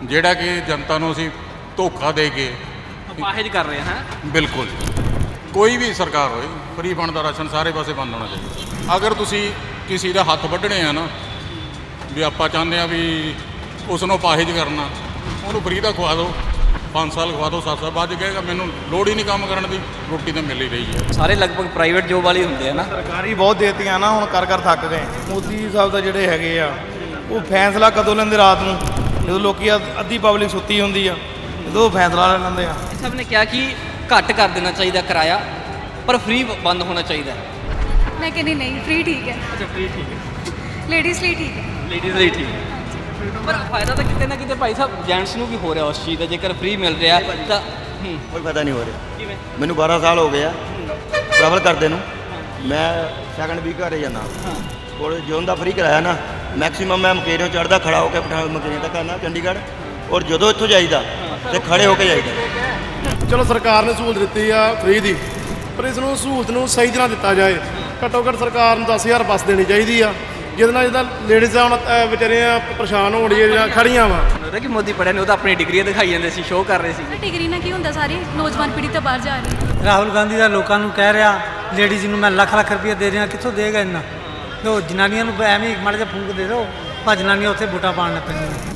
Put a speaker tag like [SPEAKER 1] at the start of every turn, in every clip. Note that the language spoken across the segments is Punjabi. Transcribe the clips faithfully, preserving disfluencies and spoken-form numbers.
[SPEAKER 1] ਜਿਹੜਾ ਕਿ ਜਨਤਾ ਨੂੰ ਅਸੀਂ ਧੋਖਾ ਦੇ ਕੇ
[SPEAKER 2] ਅਪਾਹਿਜ ਕਰ ਰਹੇ ਹਾਂ।
[SPEAKER 1] ਬਿਲਕੁਲ ਕੋਈ ਵੀ ਸਰਕਾਰ ਹੋਏ ਫਰੀ ਫੰਡ ਦਾ ਰਾਸ਼ਨ ਸਾਰੇ ਪਾਸੇ ਬੰਦ ਹੋਣਾ ਚਾਹੀਦਾ। ਅਗਰ ਤੁਸੀਂ ਕਿਸੇ ਦਾ ਹੱਥ ਵੱਢਣੇ ਆ ਨਾ ਵੀ ਆਪਾਂ ਚਾਹੁੰਦੇ ਆ ਵੀ ਉਸ ਨੂੰ ਅਪਾਹਿਜ ਕਰਨਾ, ਉਹਨੂੰ ਫਰੀ ਦਾ ਖਵਾ ਦਿਓ, ਪੰਜ ਸਾਲ ਖਵਾ ਦਿਓ, ਸੱਤ ਸਾਲ ਬਾਅਦ ਕਹੇਗਾ ਮੈਨੂੰ ਲੋੜ ਹੀ ਨਹੀਂ ਕੰਮ ਕਰਨ ਦੀ, ਰੋਟੀ ਤਾਂ ਮਿਲ ਹੀ ਰਹੀ ਹੈ।
[SPEAKER 2] ਸਾਰੇ ਲਗਭਗ ਪ੍ਰਾਈਵੇਟ ਜੋਬ ਵਾਲੇ ਹੁੰਦੇ ਆ ਨਾ।
[SPEAKER 3] ਸਰਕਾਰੀ ਬਹੁਤ ਦੇਤੀਆਂ ਨਾ, ਹੁਣ ਕਰ ਕਰ ਥੱਕ ਗਏ। ਮੋਦੀ ਸਾਹਿਬ ਦਾ ਜਿਹੜੇ ਹੈਗੇ ਆ ਉਹ ਫੈਸਲਾ ਕਦੋਂ ਲੈਂਦੇ? ਰਾਤ ਨੂੰ, ਜਦੋਂ ਲੋਕੀ ਅੱਧ- ਅੱਧੀ ਪਬਲਿਕ ਸੁੱਤੀ ਹੁੰਦੀ ਆ, ਜਦੋਂ ਉਹ ਫੈਸਲਾ ਲੈ ਲੈਂਦੇ ਆ।
[SPEAKER 2] ਸਭ ਨੇ ਕਿਹਾ ਕਿ ਘੱਟ ਕਰ ਦੇਣਾ ਚਾਹੀਦਾ ਕਿਰਾਇਆ, ਪਰ ਫ੍ਰੀ ਬੰਦ ਹੋਣਾ ਚਾਹੀਦਾ।
[SPEAKER 4] ਮੈਂ ਕਹਿੰਦੀ ਨਹੀਂ, ਫ੍ਰੀ ਠੀਕ ਹੈ।
[SPEAKER 2] ਅੱਛਾ ਫ੍ਰੀ ਠੀਕ ਹੈ,
[SPEAKER 4] ਲੇਡੀਜ਼ ਲਈ ਠੀਕ ਹੈ।
[SPEAKER 2] ਲੇਡੀਜ਼ ਲਈ ਠੀਕ ਹੈ, ਪਰ ਫਾਇਦਾ ਤਾਂ ਕਿਤੇ ਨਾ ਕਿਤੇ ਭਾਈ ਸਾਹਿਬ ਜੈਂਟਸ ਨੂੰ ਵੀ ਹੋ ਰਿਹਾ ਉਸ ਚੀਜ਼ ਦਾ। ਜੇਕਰ ਫ੍ਰੀ ਮਿਲ ਰਿਹਾ ਤਾਂ ਹੂੰ
[SPEAKER 5] ਕੋਈ ਫਾਇਦਾ ਨਹੀਂ ਹੋ ਰਿਹਾ।
[SPEAKER 2] ਕਿਵੇਂ?
[SPEAKER 5] ਮੈਨੂੰ ਬਾਰਾਂ ਸਾਲ ਹੋ ਗਏ ਆ ਟਰੈਵਲ ਕਰਦੇ ਨੂੰ। ਮੈਂ ਸੈਕੰਡ ਵੀਕ ਘਰੇ ਜਾਂਦਾ ਕੋਲ ਜੋਨ ਦਾ ਫ੍ਰੀ ਕਰਾਇਆ ਨਾ, ਮੈਕਸਿਮਮ ਮੈਂ ਮਕੇਰੀਓਂ ਚੜ੍ਹਦਾ ਖੜਾ ਹੋ ਕੇ ਪਠਾਨ ਮਕੇਰੀਆਂ ਤੱਕ ਆਉਣਾ ਚੰਡੀਗੜ੍ਹ, ਔਰ ਜਦੋਂ ਇੱਥੋਂ ਜਾਈਦਾ ਤੇ ਖੜੇ ਹੋ ਕੇ ਜਾਈਦਾ।
[SPEAKER 6] ਚਲੋ ਸਰਕਾਰ ਨੇ ਸਹੂਲਤ ਦਿੱਤੀ ਆ ਫ੍ਰੀ ਦੀ, ਪਰ ਇਸ ਨੂੰ ਸਹੂਲਤ ਨੂੰ ਸਹੀ ਤਰ੍ਹਾਂ ਦਿੱਤਾ ਜਾਏ। ਘੱਟੋ ਘੱਟ ਸਰਕਾਰ ਨੂੰ ਦਸ ਹਜ਼ਾਰ ਬੱਸ ਦੇਣੀ ਚਾਹੀਦੀ ਆ, ਜਿਹਦੇ ਨਾਲ ਜਿਹਦਾ ਲੇਡੀਜ਼ ਆ ਹੁਣ ਅ, ਵਿਚਾਰੀਆਂ ਪਰੇਸ਼ਾਨ ਹੋਣ ਡੀਆਂ ਜਾਂ ਖੜੀਆਂ ਵਾ।
[SPEAKER 2] ਉਹਦਾ ਕਿ ਮੋਦੀ ਪੜਿਆ ਨੇ, ਉਹ ਤਾਂ ਆਪਣੀ ਡਿਗਰੀਆਂ ਦਿਖਾਈ ਜਾਂਦੇ ਸੀ, ਸ਼ੋਅ ਕਰ ਰਹੇ ਸੀ।
[SPEAKER 4] ਡਿਗਰੀ ਨਾਲ ਕੀ ਹੁੰਦਾ? ਸਾਰੀ ਨੌਜਵਾਨ ਪੀੜ੍ਹੀ ਤਾਂ ਬਾਹਰ ਜਾ ਰਹੀ ਹੈ।
[SPEAKER 7] ਰਾਹੁਲ ਗਾਂਧੀ ਦਾ ਲੋਕਾਂ ਨੂੰ ਕਹਿ ਰਿਹਾ ਲੇਡੀਜ਼ ਨੂੰ ਮੈਂ ਲੱਖ ਲੱਖ ਰੁਪਏ ਦੇ ਰਿਹਾ, ਕਿੱਥੋਂ ਦੇਗਾ ਇੰਨਾ? ਲੋ ਜਨਾਨੀਆਂ ਨੂੰ ਐਵੇਂ ਹੀ ਮਾੜਾ ਜਿਹਾ ਫੂਕ ਦੇ ਦਿਓ, ਪਰ ਜਨਾਨੀਆਂ ਉੱਥੇ ਵੋਟਾਂ ਪਾਉਣ ਲੱਗ ਪੈਂਦੀਆਂ।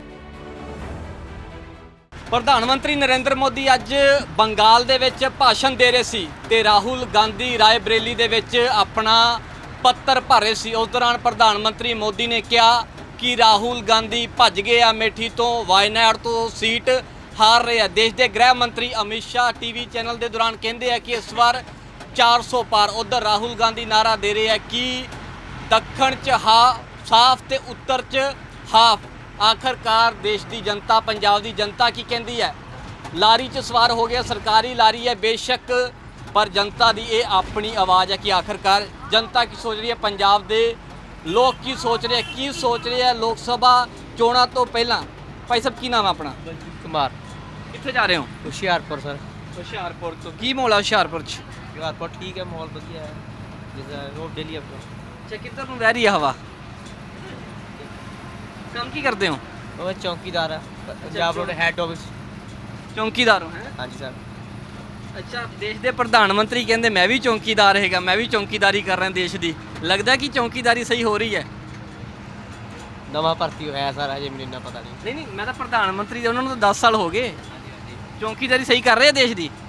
[SPEAKER 2] ਪ੍ਰਧਾਨ ਮੰਤਰੀ ਨਰਿੰਦਰ ਮੋਦੀ ਅੱਜ ਬੰਗਾਲ ਦੇ ਵਿੱਚ ਭਾਸ਼ਣ ਦੇ ਰਹੇ ਸੀ ਤੇ ਰਾਹੁਲ ਗਾਂਧੀ ਰਾਏ ਬਰੇਲੀ ਦੇ ਵਿੱਚ ਆਪਣਾ ਪੱਤਰ ਭਰ ਰਹੇ ਸੀ। ਉਸ ਦੌਰਾਨ ਪ੍ਰਧਾਨ ਮੰਤਰੀ ਮੋਦੀ ਨੇ ਕਿਹਾ ਕਿ ਰਾਹੁਲ ਗਾਂਧੀ ਭੱਜ ਗਏ ਆ ਮੇਠੀ ਤੋਂ, ਵਾਇਨਾਡ ਤੋਂ ਸੀਟ ਹਾਰ ਰਹੇ ਆ। ਦੇਸ਼ ਦੇ ਗ੍ਰਹਿ ਮੰਤਰੀ ਅਮਿਤ ਸ਼ਾਹ ਟੀਵੀ ਚੈਨਲ ਦੇ ਦੌਰਾਨ ਕਹਿੰਦੇ ਆ ਕਿ ਇਸ ਵਾਰ ਚਾਰ ਸੌ ਪਾਰ। ਉਧਰ ਰਾਹੁਲ ਗਾਂਧੀ ਨਾਰਾ ਦੇ ਰਹੇ ਆ ਕਿ ਦੱਖਣ 'ਚ ਹਾ ਸਾਫ਼ ਤੇ ਉੱਤਰ 'ਚ ਹਾਫ। ਆਖਰਕਾਰ ਦੇਸ਼ ਦੀ ਜਨਤਾ, ਪੰਜਾਬ ਦੀ ਜਨਤਾ ਕੀ ਕਹਿੰਦੀ ਹੈ? ਲਾਰੀ 'ਚ ਸਵਾਰ ਹੋ ਗਿਆ, ਸਰਕਾਰੀ ਲਾਰੀ ਹੈ ਬੇਸ਼ੱਕ, ਪਰ ਜਨਤਾ ਦੀ ਇਹ ਆਪਣੀ ਆਵਾਜ਼ ਹੈ ਕਿ ਆਖਰਕਾਰ ਜਨਤਾ ਕੀ ਸੋਚ ਰਹੀ ਹੈ, ਪੰਜਾਬ ਦੇ ਲੋਕ ਕੀ ਸੋਚ ਰਹੇ, ਕੀ ਸੋਚ ਰਹੇ ਹੈ ਲੋਕ ਸਭਾ ਚੋਣਾਂ ਤੋਂ ਪਹਿਲਾਂ। ਭਾਈ ਸਾਹਿਬ ਕੀ ਨਾਮ ਹੈ ਆਪਣਾ?
[SPEAKER 8] ਕੁਮਾਰ,
[SPEAKER 2] ਕਿੱਥੇ ਜਾ ਰਹੇ ਹੋ?
[SPEAKER 8] ਹੁਸ਼ਿਆਰਪੁਰ ਸਰ।
[SPEAKER 2] ਹੁਸ਼ਿਆਰਪੁਰ ਤੋਂ। ਕੀ ਮਾਹੌਲ ਹੈ ਹੁਸ਼ਿਆਰਪੁਰ 'ਚ?
[SPEAKER 8] ਹੁਸ਼ਿਆਰਪੁਰ ਠੀਕ ਹੈ, ਮਾਹੌਲ ਵਧੀਆ ਹੈ, ਜਿੱਦਾਂ ਰੋਡ ਡੇਲੀ ਆਪਣਾ।
[SPEAKER 2] ਅੱਛਾ, ਕਿੱਧਰ ਨੂੰ ਵਹਿ ਰਹੀ ਹੈ ਹਵਾ? ਕੰਮ ਕੀ ਕਰਦੇ ਹੋ?
[SPEAKER 8] ਉਹ ਚੌਕੀਦਾਰ ਹੈ ਪੰਜਾਬ ਰੋਡ ਹੈੱਡ ਆਫਿਸ।
[SPEAKER 2] ਚੌਂਕੀਦਾਰ ਹੋ? ਹੈ
[SPEAKER 8] ਹਾਂਜੀ ਸਰ।
[SPEAKER 2] ਅੱਛਾ, ਦੇਸ਼ ਦੇ ਪ੍ਰਧਾਨ ਮੰਤਰੀ ਕਹਿੰਦੇ ਮੈਂ ਵੀ ਚੌਂਕੀਦਾਰ ਹੈਗਾ, ਮੈਂ ਵੀ ਚੌਂਕੀਦਾਰੀ ਕਰ ਰਿਹਾ ਦੇਸ਼ ਦੀ। ਲੱਗਦਾ ਕਿ ਚੌਂਕੀਦਾਰੀ ਸਹੀ ਹੋ ਰਹੀ ਹੈ?
[SPEAKER 8] ਨਵਾਂ ਭਰਤੀ ਹੋਇਆ ਸਰ, ਹਜੇ ਮੈਨੂੰ ਇੰਨਾ ਪਤਾ ਨਹੀਂ।
[SPEAKER 2] ਨਹੀਂ ਨਹੀਂ, ਮੈਂ ਤਾਂ ਪ੍ਰਧਾਨ ਮੰਤਰੀ ਦੇ, ਉਹਨਾਂ ਨੂੰ ਤਾਂ ਦਸ ਸਾਲ ਹੋ ਗਏ। ਚੌਂਕੀਦਾਰੀ ਸਹੀ ਕਰ ਰਹੇ ਆ ਦੇਸ਼ ਦੀ?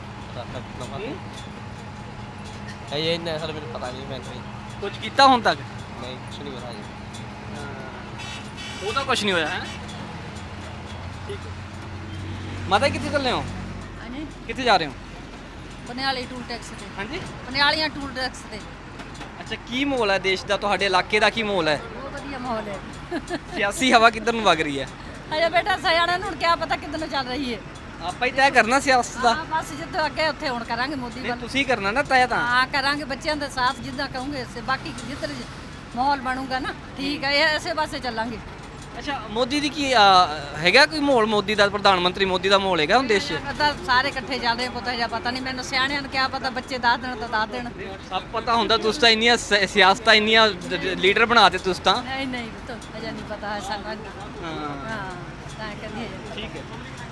[SPEAKER 8] ਹਜੇ ਇੰਨਾ ਸਰ ਮੈਨੂੰ ਪਤਾ ਨਹੀਂ, ਮੈਂ ਨਹੀਂ
[SPEAKER 2] ਕੁਝ ਕੀਤਾ ਹੁਣ ਤੱਕ?
[SPEAKER 8] ਨਹੀਂ ਕੁਛ ਨਹੀਂ ਪਤਾ ਜੀ।
[SPEAKER 2] ਉਹ ਤਾਂ ਕੁਝ ਨਹੀਂ ਹੋਇਆ ਹੈ। ਠੀਕ ਹੈ ਮਾਤਾ, ਕਿੱਥੇ ਚੱਲੇ ਹੋ?
[SPEAKER 4] ਹਾਂਜੀ,
[SPEAKER 2] ਕਿੱਥੇ ਜਾ ਰਹੇ ਹੋ?
[SPEAKER 4] ਬਨਿਆਲੀ ਟੂਲ ਟੈਕਸ ਤੇ।
[SPEAKER 2] ਹਾਂਜੀ,
[SPEAKER 4] ਬਨਿਆਲੀਆਂ ਟੂਲ ਟੈਕਸ ਤੇ।
[SPEAKER 2] ਅੱਛਾ, ਕੀ ਮਾਹੌਲ ਹੈ ਦੇਸ਼ ਦਾ, ਤੁਹਾਡੇ ਇਲਾਕੇ ਦਾ ਕੀ ਮਾਹੌਲ ਹੈ?
[SPEAKER 4] ਬਹੁਤ ਵਧੀਆ ਮਾਹੌਲ ਹੈ।
[SPEAKER 2] ਸਿਆਸੀ ਹਵਾ ਕਿੱਧਰ ਨੂੰ ਵਗ ਰਹੀ ਹੈ?
[SPEAKER 4] ਅਜੇ ਬੇਟਾ ਸਿਆਣਿਆਂ ਨੂੰ ਕੀ ਪਤਾ ਕਿੱਧਰ ਨੂੰ ਚੱਲ ਰਹੀ ਹੈ।
[SPEAKER 2] ਆਪਾਂ ਹੀ ਤੈਅ ਕਰਨਾ ਸਿਆਸਤ ਦਾ।
[SPEAKER 4] ਹਾਂ, ਬਸ ਜਿੱਦੋਂ ਅੱਗੇ ਉੱਥੇ ਹੁਣ ਕਰਾਂਗੇ ਮੋਦੀ
[SPEAKER 2] ਨਹੀਂ,
[SPEAKER 4] ਵੱਲ।
[SPEAKER 2] ਤੁਸੀਂ ਕਰਨਾ ਨਾ ਤੈਅ ਤਾਂ।
[SPEAKER 4] ਹਾਂ, ਕਰਾਂਗੇ ਬੱਚਿਆਂ ਦੇ ਸਾਥ ਜਿੱਦਾਂ ਕਹੋਗੇ ਇਸੇ, ਬਾਕੀ ਜਿੱਧਰ ਮਾਹੌਲ ਬਣੂਗਾ ਨਾ ਠੀਕ ਹੈ, ਇਹ ਇਸੇ ਪਾਸੇ ਚੱਲਾਂਗੇ।
[SPEAKER 2] ਅੱਛਾ, ਮੋਦੀ ਦੀ ਕੀ ਅ, ਹੈਗਾ ਕੋਈ ਮਾਹੌਲ? ਮੋਦੀ ਦਾ, ਪ੍ਰਧਾਨ ਮੰਤਰੀ ਮੋਦੀ ਦਾ ਮਾਹੌਲ ਹੈਗਾ ਹੁਣ ਦੇਸ਼ 'ਚ?
[SPEAKER 4] ਪਤਾ ਸਾਰੇ ਇਕੱਠੇ ਚੱਲ ਰਹੇ, ਪਤਾ ਜਾਂ ਪਤਾ ਨਹੀਂ ਮੈਨੂੰ, ਸਿਆਣਿਆਂ ਨੂੰ ਕੀ ਪਤਾ, ਬੱਚੇ ਦੱਸ ਦੇਣ ਤਾਂ ਦੱਸ ਦੇਣ।
[SPEAKER 2] ਸਭ ਪਤਾ ਹੁੰਦਾ, ਤੁਸੀਂ ਤਾਂ ਇੰਨੀਆਂ ਸਿ- ਸਿਆਸਤਾਂ ਇੰਨੀਆਂ ਲੀਡਰ ਬਣਾਤੇ ਤੁਸੀਂ ਤਾਂ।
[SPEAKER 4] ਨਹੀਂ ਨਹੀਂ ਪੁੱਤ, ਅਜੇ ਨਹੀਂ ਪਤਾ ਹੈ ਸਾਨੂੰ।
[SPEAKER 2] ਹਾਂ
[SPEAKER 4] ਹਾਂ, ਤਾਂ ਕਹਿੰਦੀ ਹੈ।
[SPEAKER 2] ਠੀਕ ਹੈ।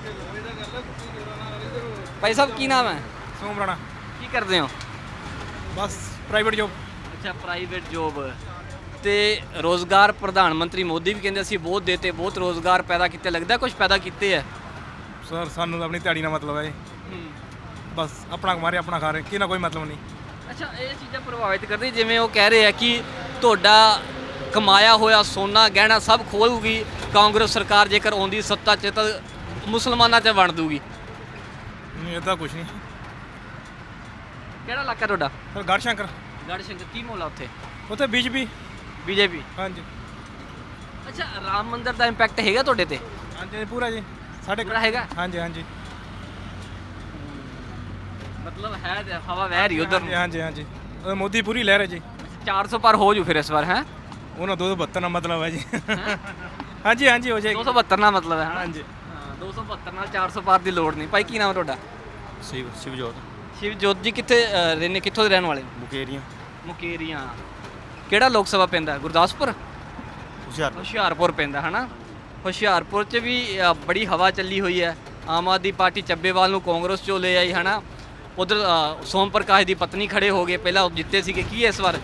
[SPEAKER 2] ਭਾਈ ਸਾਹਿਬ ਕੀ ਨਾਮ ਹੈ?
[SPEAKER 3] ਸੋਮ ਰਾਣਾ।
[SPEAKER 2] ਕੀ ਕਰਦੇ ਹੋ?
[SPEAKER 3] ਬਸ ਪ੍ਰਾਈਵੇਟ ਜੋਬ।
[SPEAKER 2] ਅੱਛਾ, ਪ੍ਰਾਈਵੇਟ ਜੋਬ। ਤੇ ਰੋਜ਼ਗਾਰ ਪ੍ਰਧਾਨ ਮੰਤਰੀ ਮੋਦੀ ਵੀ ਕਹਿੰਦੇ ਅਸੀਂ ਬਹੁਤ ਦੇਤੇ, ਬਹੁਤ ਰੋਜ਼ਗਾਰ ਪੈਦਾ ਕੀਤੇ। ਲੱਗਦਾ ਕੁਝ ਪੈਦਾ ਕੀਤੇ ਹੈ?
[SPEAKER 3] ਸਰ ਸਾਨੂੰ ਤਾਂ ਆਪਣੀ ਦਿਹਾੜੀ ਨਾਲ ਮਤਲਬ ਹੈ ਜੀ, ਬਸ ਆਪਣਾ ਕਮਾ ਰਹੇ ਆਪਣਾ ਖਾ ਰਹੇ, ਕਿਹਨਾਂ ਕੋਈ ਮਤਲਬ ਨਹੀਂ।
[SPEAKER 2] ਅੱਛਾ, ਇਹ ਚੀਜ਼ਾਂ ਪ੍ਰਭਾਵਿਤ ਕਰਦੀ, ਜਿਵੇਂ ਉਹ ਕਹਿ ਰਹੇ ਆ ਕਿ ਤੁਹਾਡਾ ਕਮਾਇਆ ਹੋਇਆ ਸੋਨਾ ਗਹਿਣਾ ਸਭ ਖੋਲੂਗੀ ਕਾਂਗਰਸ ਸਰਕਾਰ, ਜੇਕਰ ਆਉਂਦੀ ਸੱਤਾ 'ਚ ਤਾਂ ਮੁਸਲਮਾਨਾਂ 'ਚ ਵੰਡ ਦੂਗੀ।
[SPEAKER 3] ਨਹੀਂ ਇੱਦਾਂ ਕੁਛ ਨਹੀਂ।
[SPEAKER 2] ਕਿਹੜਾ ਇਲਾਕਾ ਤੁਹਾਡਾ?
[SPEAKER 3] ਸਰ ਗੜਸ਼ੰਕਰ।
[SPEAKER 2] ਗੜਸ਼ੰਕਰ। ਕੀ ਮਾਹੌਲ ਆ ਉੱਥੇ?
[SPEAKER 3] ਉੱਥੇ ਬੀਜੇਪੀ।
[SPEAKER 2] ਬੀਜੇਪੀ।
[SPEAKER 3] ਹਾਂਜੀ।
[SPEAKER 2] ਅੱਛਾ, ਰਾਮ ਮੰਦਿਰ ਦਾ ਇੰਪੈਕਟ ਹੈਗਾ ਤੁਹਾਡੇ ਤੇ?
[SPEAKER 3] ਹਾਂਜੀ ਪੂਰਾ ਜੀ, ਸਾਡੇ
[SPEAKER 2] ਪੂਰਾ ਹੈਗਾ?
[SPEAKER 3] ਹਾਂਜੀ ਹਾਂਜੀ
[SPEAKER 2] ਮਤਲਬ ਹੈ ਹਵਾ ਵਹਿ ਰਹੀ ਉਧਰ ਨੂੰ।
[SPEAKER 3] ਹਾਂਜੀ ਹਾਂਜੀ ਉਹ ਮੋਦੀ ਪੂਰੀ ਲਹਿਰ ਹੈ ਜੀ।
[SPEAKER 2] ਚਾਰ ਸੌ ਪਰ ਹੋ ਜੂ ਫਿਰ ਇਸ ਵਾਰ? ਹੈ
[SPEAKER 3] ਉਹਨਾਂ ਦੋ ਸੌ ਬਹੱਤਰ ਨਾਲ ਮਤਲਬ ਹੈ ਜੀ। ਹਾਂਜੀ ਹਾਂਜੀ ਹੋ ਜਾਏਗੀ।
[SPEAKER 2] ਦੋ ਸੌ ਬਹੱਤਰ ਨਾਲ ਮਤਲਬ ਹੈ?
[SPEAKER 3] ਹਾਂਜੀ
[SPEAKER 2] ਹਾਂ, ਦੋ ਸੌ ਬਹੱਤਰ ਨਾਲ ਚਾਰ ਸੌ ਪਾਰ ਦੀ ਲੋੜ ਨਹੀਂ। ਭਾਈ ਕੀ ਨਾਮ ਹੈ ਤੁਹਾਡਾ?
[SPEAKER 5] ਸ਼ਿਵ ਸ਼ਿਵਜੋਤ।
[SPEAKER 2] ਸ਼ਿਵਜੋਤ ਜੀ, ਕਿੱਥੇ ਅ, ਰਹਿੰਦੇ, ਕਿੱਥੋਂ ਦੇ ਰਹਿਣ ਵਾਲੇ?
[SPEAKER 5] ਮੁਕੇਰੀਆਂ।
[SPEAKER 2] ਮੁਕੇਰੀਆਂ। ਕਿਹੜਾ ਲੋਕ ਸਭਾ ਪੈਂਦਾ? ਗੁਰਦਾਸਪੁਰ?
[SPEAKER 5] ਹੁਸ਼ਿਆਰਪੁਰ।
[SPEAKER 2] ਹੁਸ਼ਿਆਰਪੁਰ ਪੈਂਦਾ ਹੈ ਨਾ। ਹੁਸ਼ਿਆਰਪੁਰ 'ਚ ਵੀ ਅ, ਬੜੀ ਹਵਾ ਚੱਲੀ ਹੋਈ ਹੈ। ਆਮ ਆਦਮੀ ਪਾਰਟੀ ਚੱਬੇਵਾਲ ਨੂੰ ਕਾਂਗਰਸ 'ਚੋਂ ਲੈ ਆਈ ਹੈ ਨਾ। ਉਧਰ ਸੋਮ ਪ੍ਰਕਾਸ਼ ਦੀ ਪਤਨੀ ਖੜੇ ਹੋ ਗਏ, ਪਹਿਲਾਂ ਉਹ ਜਿੱਤੇ ਸੀਗੇ। ਕੀ ਹੈ ਇਸ ਵਾਰ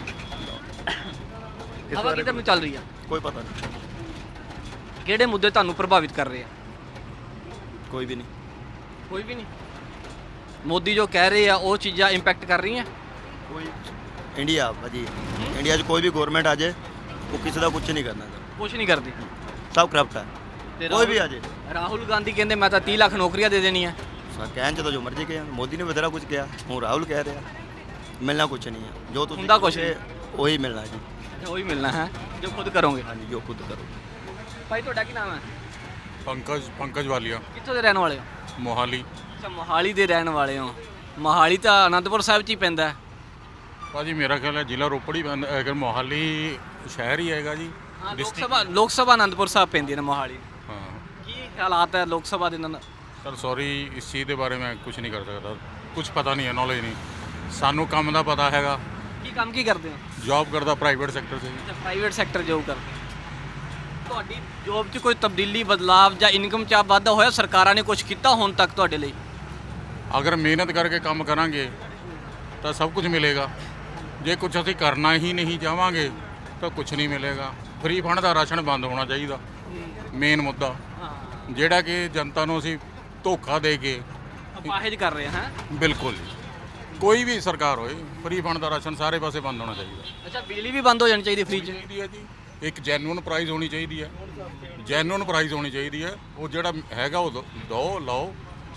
[SPEAKER 2] ਹਵਾ ਕਿੱਧਰ ਨੂੰ ਚੱਲ ਰਹੀ ਹੈ?
[SPEAKER 5] ਕੋਈ ਪਤਾ ਨਹੀਂ,
[SPEAKER 2] ਕਿਹੜੇ ਮੁੱਦੇ ਤੁਹਾਨੂੰ ਪ੍ਰਭਾਵਿਤ ਕਰ ਰਹੇ ਆ?
[SPEAKER 5] ਕੋਈ ਵੀ ਨਹੀਂ।
[SPEAKER 2] ਕੋਈ ਵੀ ਨਹੀਂ। ਮੋਦੀ ਜੋ ਕਹਿ ਰਹੇ ਆ ਉਹ ਚੀਜ਼ਾਂ ਇੰਪੈਕਟ ਕਰ ਰਹੀਆਂ?
[SPEAKER 5] ਕੋਈ ਇੰਡੀਆ ਭਾਜੀ, ਇੰਡੀਆ 'ਚ ਕੋਈ ਵੀ ਗਵਰਨਮੈਂਟ ਆ ਜਾਏ ਉਹ ਕਿਸੇ ਦਾ ਕੁਝ ਨਹੀਂ ਕਰਨਾ,
[SPEAKER 2] ਕੁਝ ਨਹੀਂ ਕਰਦੀ।
[SPEAKER 5] ਸਭ ਕਰਪਟ ਹੈ।
[SPEAKER 2] ਤੇ
[SPEAKER 5] ਕੋਈ ਵੀ ਆ ਜਾਏ।
[SPEAKER 2] ਰਾਹੁਲ ਗਾਂਧੀ ਕਹਿੰਦੇ ਮੈਂ ਤਾਂ ਤੀਹ ਲੱਖ ਨੌਕਰੀਆਂ ਦੇ ਦੇਣੀਆਂ।
[SPEAKER 5] ਸਾ ਕਹਿਣ 'ਚ ਤਾਂ ਜੋ ਮਰਜ਼ੀ ਕਿਹਾ, ਮੋਦੀ ਨੇ ਬਥੇਰਾ ਕੁਝ ਕਿਹਾ, ਹੁਣ ਰਾਹੁਲ ਕਹਿ ਰਿਹਾ ਮਿਲਣਾ ਕੁਝ ਨਹੀਂ ਹੈ। ਜੋ ਤੁਸੀਂ
[SPEAKER 2] ਹੁੰਦਾ ਕੁਛ
[SPEAKER 5] ਕਹੋਗੇ, ਉਹੀ ਮਿਲਣਾ ਜੀ।
[SPEAKER 2] ਉਹੀ ਮਿਲਣਾ ਹੈ ਜੋ ਖੁਦ ਕਰੋਗੇ।
[SPEAKER 5] ਹਾਂਜੀ, ਜੋ ਖੁਦ ਕਰੋ।
[SPEAKER 2] ਭਾਈ ਤੁਹਾਡਾ ਕੀ ਨਾਮ ਹੈ?
[SPEAKER 1] ਪੰਕਜ ਪੰਕਜ ਵਾਲੀਆ,
[SPEAKER 2] ਕਿੱਥੋਂ ਦੇ ਰਹਿਣ ਵਾਲੇ ਹੋ?
[SPEAKER 1] ਮੋਹਾਲੀ।
[SPEAKER 2] ਅੱਛਾ, ਮੋਹਾਲੀ ਦੇ ਰਹਿਣ ਵਾਲੇ ਹੋ। ਮੋਹਾਲੀ ਤਾਂ ਅਨੰਦਪੁਰ ਸਾਹਿਬ 'ਚ ਹੀ ਪੈਂਦਾ ਹੈ।
[SPEAKER 1] ਭਾਜੀ ਮੇਰਾ ਖਿਆਲ ਹੈ ਜ਼ਿਲ੍ਹਾ ਰੋਪੜ ਹੀ ਪੈਂਦਾ, ਅਗਰ ਮੋਹਾਲੀ ਸ਼ਹਿਰ ਹੀ ਹੈਗਾ ਜੀ।
[SPEAKER 2] ਹਾਂ, ਲੋਕ
[SPEAKER 1] District-
[SPEAKER 2] ਸਭਾ ਲੋਕ ਸਭਾ ਅਨੰਦਪੁਰ ਸਾਹਿਬ ਪੈਂਦੀ ਹੈ ਨਾ ਮੋਹਾਲੀ।
[SPEAKER 1] ਹਾਂ
[SPEAKER 2] ਕੀ ਹਾਲਾਤ ਹੈ ਲੋਕ ਸਭਾ ਦੇ ਨਾਲ?
[SPEAKER 1] ਸਰ ਸੌਰੀ, ਇਸ ਚੀਜ਼ ਦੇ ਬਾਰੇ ਮੈਂ ਕੁਝ ਨਹੀਂ ਕਰ ਸਕਦਾ, ਕੁਝ ਪਤਾ ਨਹੀਂ ਹੈ, ਨੌਲੇਜ ਨਹੀਂ। ਸਾਨੂੰ ਕੰਮ ਦਾ ਪਤਾ ਹੈਗਾ,
[SPEAKER 2] ਕੀ ਕੰਮ ਕੀ ਕਰਦੇ ਹੋ?
[SPEAKER 1] ਜੌਬ ਕਰਦਾ ਪ੍ਰਾਈਵੇਟ ਸੈਕਟਰ 'ਚ ਜੀ।
[SPEAKER 2] ਅੱਛਾ, ਪ੍ਰਾਈਵੇਟ ਸੈਕਟਰ ਜੋਬ ਕਰ। ਤੁਹਾਡੀ ਜੋਬ 'ਚ ਕੋਈ ਤਬਦੀਲੀ, ਬਦਲਾਵ ਜਾਂ ਇਨਕਮ 'ਚ ਵਾਧਾ ਹੋਇਆ? ਸਰਕਾਰਾਂ ਨੇ ਕੁਝ ਕੀਤਾ ਹੁਣ ਤੱਕ ਤੁਹਾਡੇ ਲਈ?
[SPEAKER 1] ਅਗਰ ਮਿਹਨਤ ਕਰਕੇ ਕੰਮ ਕਰਾਂਗੇ ਤਾਂ ਸਭ ਕੁਝ ਮਿਲੇਗਾ। ਜੇ ਕੁਝ ਅਸੀਂ ਕਰਨਾ ਹੀ ਨਹੀਂ ਚਾਹਾਂਗੇ ਤਾਂ ਕੁਝ ਨਹੀਂ ਮਿਲੇਗਾ। ਫ੍ਰੀ ਫੰਡ ਦਾ ਰਾਸ਼ਨ ਬੰਦ ਹੋਣਾ ਚਾਹੀਦਾ, ਮੇਨ ਮੁੱਦਾ, ਜਿਹੜਾ ਕਿ ਜਨਤਾ ਨੂੰ ਅਸੀਂ ਧੋਖਾ ਦੇ ਕੇ।
[SPEAKER 2] ਅਪਾਹਿਜ ਕਰ ਰਹੇ ਹਾਂ।
[SPEAKER 1] ਬਿਲਕੁਲ ਜੀ, ਕੋਈ ਵੀ ਸਰਕਾਰ ਹੋਏ, ਫ੍ਰੀ ਫੰਡ ਦਾ ਰਾਸ਼ਨ ਸਾਰੇ ਪਾਸੇ ਬੰਦ ਹੋਣਾ ਚਾਹੀਦਾ।
[SPEAKER 2] ਅੱਛਾ, ਬਿਜਲੀ ਵੀ ਬੰਦ ਹੋ ਜਾਣੀ ਚਾਹੀਦੀ ਫ੍ਰੀ 'ਚ?
[SPEAKER 1] ਚਾਹੀਦੀ ਹੈ ਜੀ, ਇੱਕ ਜੈਨੂਅਨ ਪ੍ਰਾਈਸ ਹੋਣੀ ਚਾਹੀਦੀ ਹੈ, ਜੈਨੂਅਨ ਪ੍ਰਾਈਸ ਹੋਣੀ ਚਾਹੀਦੀ ਹੈ। ਉਹ ਜਿਹੜਾ ਹੈਗਾ ਉਹ ਦੋ- ਦੋ ਲਾਓ।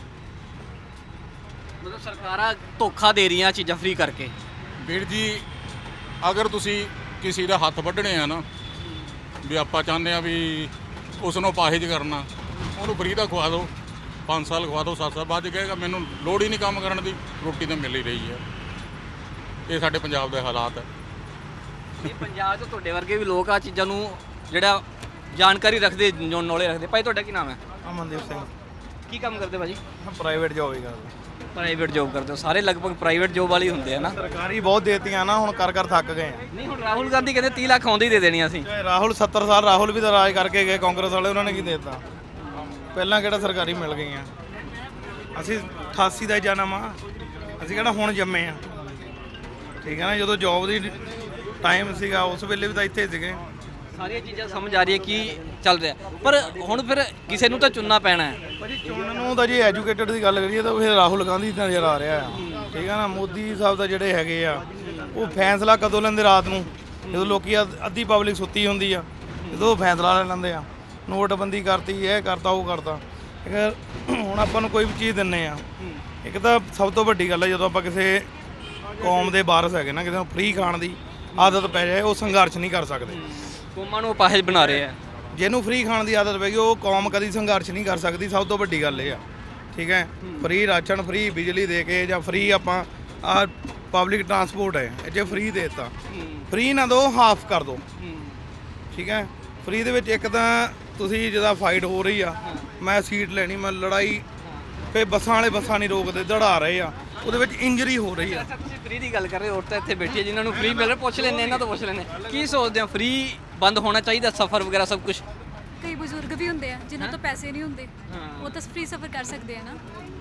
[SPEAKER 2] ਮਤਲਬ ਸਰਕਾਰਾਂ ਧੋਖਾ ਦੇ ਰਹੀਆਂ ਚੀਜ਼ਾਂ ਫ੍ਰੀ ਕਰਕੇ।
[SPEAKER 1] ਵੀਰ ਜੀ, ਅਗਰ ਤੁਸੀਂ ਕਿਸੇ ਦਾ ਹੱਥ ਵੱਢਣੇ ਆ ਨਾ, ਵੀ ਆਪਾਂ ਚਾਹੁੰਦੇ ਆ ਵੀ ਉਸ ਨੂੰ ਅਪਾਹਿਜ ਕਰਨਾ, ਉਹਨੂੰ ਫ੍ਰੀ ਦਾ ਖਵਾ ਦਿਓ, ਪੰਜ ਸਾਲ ਖਵਾ ਦਿਓ, ਸੱਤ ਸਾਲ ਬਾਅਦ 'ਚ ਕਹੇਗਾ ਮੈਨੂੰ ਲੋੜ ਹੀ ਨਹੀਂ ਕੰਮ ਕਰਨ ਦੀ, ਰੋਟੀ ਤਾਂ ਮਿਲ ਹੀ ਰਹੀ ਹੈ। ਇਹ ਸਾਡੇ ਪੰਜਾਬ ਦੇ ਹਾਲਾਤ ਹੈ।
[SPEAKER 2] ਇਹ ਪੰਜਾਬ 'ਚ ਤੁਹਾਡੇ ਵਰਗੇ ਵੀ ਲੋਕ ਆ ਚੀਜ਼ਾਂ ਨੂੰ ਜਿਹੜਾ ਜਾਣਕਾਰੀ ਰੱਖਦੇ, ਨੌਲੇਜ ਰੱਖਦੇ। ਭਾਈ ਤੁਹਾਡਾ ਕੀ ਨਾਮ ਹੈ?
[SPEAKER 3] ਅਮਨਦੀਪ ਸਿੰਘ।
[SPEAKER 2] ਕੀ ਕੰਮ ਕਰਦੇ ਭਾਜੀ?
[SPEAKER 3] ਪ੍ਰਾਈਵੇਟ ਜੋਬ ਹੀ ਕਰਦੇ।
[SPEAKER 2] ਪ੍ਰਾਈਵੇਟ ਜੋਬ ਕਰਦੇ ਹੋ? ਸਾਰੇ ਲਗਭਗ ਪ੍ਰਾਈਵੇਟ ਜੋਬ ਵਾਲੇ ਹੀ ਹੁੰਦੇ ਆ ਨਾ।
[SPEAKER 3] ਸਰਕਾਰੀ ਬਹੁਤ ਦੇਤੀਆਂ ਨਾ, ਹੁਣ ਕਰ ਕਰ ਥੱਕ ਗਏ।
[SPEAKER 2] ਨਹੀਂ, ਹੁਣ ਰਾਹੁਲ ਗਾਂਧੀ ਕਹਿੰਦੇ ਤੀਹ ਲੱਖ ਆਉਂਦੇ ਹੀ ਦੇ ਦੇਣੀਆਂ ਅਸੀਂ।
[SPEAKER 3] ਚਾਹੇ ਰਾਹੁਲ ਸੱਤਰ ਸਾਲ ਰਾਹੁਲ ਵੀ ਤਾਂ ਰਾਜ ਕਰਕੇ ਗਏ, ਕਾਂਗਰਸ ਵਾਲੇ, ਉਹਨਾਂ ਨੇ ਕੀ ਦੇ ਦਿੱਤਾ? ਪਹਿਲਾਂ ਕਿਹੜਾ ਸਰਕਾਰੀ ਮਿਲ ਗਈਆਂ? ਅਸੀਂ ਅਠਾਸੀ ਦਾ ਹੀ ਜਨਮ ਆ, ਅਸੀਂ ਕਿਹੜਾ ਹੁਣ ਜੰਮੇ ਆ। ਠੀਕ ਹੈ ਨਾ, ਜਦੋਂ ਜੋਬ ਦੀ ਟਾਈਮ ਸੀਗਾ ਉਸ ਵੇਲੇ ਵੀ ਤਾਂ ਇੱਥੇ ਸੀਗੇ।
[SPEAKER 2] ਸਾਰੀਆਂ ਚੀਜ਼ਾਂ ਸਮਝ ਆ ਰਹੀ ਹੈ ਕੀ ਚੱਲ ਰਿਹਾ, ਪਰ ਹੁਣ ਫਿਰ ਕਿਸੇ ਨੂੰ ਤਾਂ ਚੁਣਨਾ ਪੈਣਾ ਹੈ।
[SPEAKER 3] ਭਾਜੀ ਚੁਣਨ ਨੂੰ ਤਾਂ ਜੇ ਐਜੂਕੇਟਡ ਦੀ ਗੱਲ ਕਰੀਏ ਤਾਂ ਫਿਰ ਰਾਹੁਲ ਗਾਂਧੀ ਨਜ਼ਰ ਆ ਰਿਹਾ ਆ। ਠੀਕ ਹੈ ਨਾ, ਮੋਦੀ ਸਾਹਿਬ ਦਾ ਜਿਹੜੇ ਹੈਗੇ ਆ ਉਹ ਫੈਸਲਾ ਕਦੋਂ ਲੈਂਦੇ? ਰਾਤ ਨੂੰ, ਜਦੋਂ ਲੋਕੀ ਅੱਧ- ਅੱਧੀ ਪਬਲਿਕ ਸੁੱਤੀ ਹੁੰਦੀ ਆ, ਜਦੋਂ ਉਹ ਫੈਸਲਾ ਲੈ ਲੈਂਦੇ ਆ। ਨੋਟਬੰਦੀ ਕਰਤੀ, ਇਹ ਕਰਤਾ, ਉਹ ਕਰਤਾ। ਇੱਕ ਹੁਣ ਆਪਾਂ ਨੂੰ ਕੋਈ ਵੀ ਚੀਜ਼ ਦਿੰਨੇ ਆ, ਇੱਕ ਤਾਂ ਸਭ ਤੋਂ ਵੱਡੀ ਗੱਲ ਹੈ ਜਦੋਂ ਆਪਾਂ ਕਿਸੇ ਕੌਮ ਦੇ ਵਾਰਸ ਹੈਗੇ ਨਾ, ਕਿਸੇ ਨੂੰ ਫ੍ਰੀ ਖਾਣ ਦੀ ਆਦਤ ਪੈ ਜਾਏ, ਉਹ ਸੰਘਰਸ਼ ਨਹੀਂ ਕਰ ਸਕਦੇ।
[SPEAKER 2] ਕੌਮਾਂ ਨੂੰ ਅਪਾਹਿਜ ਬਣਾ ਰਹੇ ਆ।
[SPEAKER 3] ਜਿਹਨੂੰ ਫ੍ਰੀ ਖਾਣ ਦੀ ਆਦਤ ਪੈ ਗਈ ਉਹ ਕੌਮ ਕਦੀ ਸੰਘਰਸ਼ ਨਹੀਂ ਕਰ ਸਕਦੀ। ਸਭ ਤੋਂ ਵੱਡੀ ਗੱਲ ਇਹ ਆ। ਠੀਕ ਹੈ, ਫ੍ਰੀ ਰਾਸ਼ਨ, ਫ੍ਰੀ ਬਿਜਲੀ ਦੇ ਕੇ, ਜਾਂ ਫ੍ਰੀ ਆਪਾਂ ਆ ਪਬਲਿਕ ਟਰਾਂਸਪੋਰਟ ਹੈ, ਜੇ ਫ੍ਰੀ ਦੇ ਦਿੱਤਾ, ਫ੍ਰੀ ਨਾ ਦਿਓ, ਹਾਫ ਕਰ ਦਿਓ। ਠੀਕ ਹੈ, ਫ੍ਰੀ ਦੇ ਵਿੱਚ ਇੱਕ ਤਾਂ ਤੁਸੀਂ ਜਿਹਦਾ ਫਾਈਟ ਹੋ ਰਹੀ ਆ, ਮੈਂ ਸੀਟ ਲੈਣੀ, ਮੈਂ ਲੜਾਈ, ਫੇ ਬੱਸਾਂ ਵਾਲੇ ਬੱਸਾਂ ਨਹੀਂ ਰੋਕਦੇ, ਦੜਾ ਰਹੇ ਆ, ਉਹਦੇ ਵਿੱਚ ਇੰਜਰੀ ਹੋ ਰਹੀ ਆ।
[SPEAKER 2] ਤੁਸੀਂ ਫ੍ਰੀ ਦੀ ਗੱਲ ਕਰ ਰਹੇ ਹੋ, ਔਰਤਾਂ ਇੱਥੇ ਬੈਠੀ ਹੈ ਜਿਨ੍ਹਾਂ ਨੂੰ ਫ੍ਰੀ ਮਿਲ ਰਿਹਾ, ਪੁੱਛ ਲੈਂਦੇ ਇਹਨਾਂ ਤੋਂ ਪੁੱਛ ਲੈਂਦੇ ਕੀ ਸੋਚਦੇ ਹੋ? ਫ੍ਰੀ ਬੰਦ ਹੋਣਾ ਚਾਹੀਦਾ ਸਫ਼ਰ ਵਗੈਰਾ ਸਭ ਕੁਝ?
[SPEAKER 9] ਕਈ ਬਜ਼ੁਰਗ ਵੀ ਹੁੰਦੇ ਆ ਜਿਨ੍ਹਾਂ ਤੋਂ ਪੈਸੇ ਨਹੀਂ ਹੁੰਦੇ, ਉਹ ਤਾਂ ਫ੍ਰੀ ਸਫ਼ਰ ਕਰ ਸਕਦੇ ਆ ਨਾ।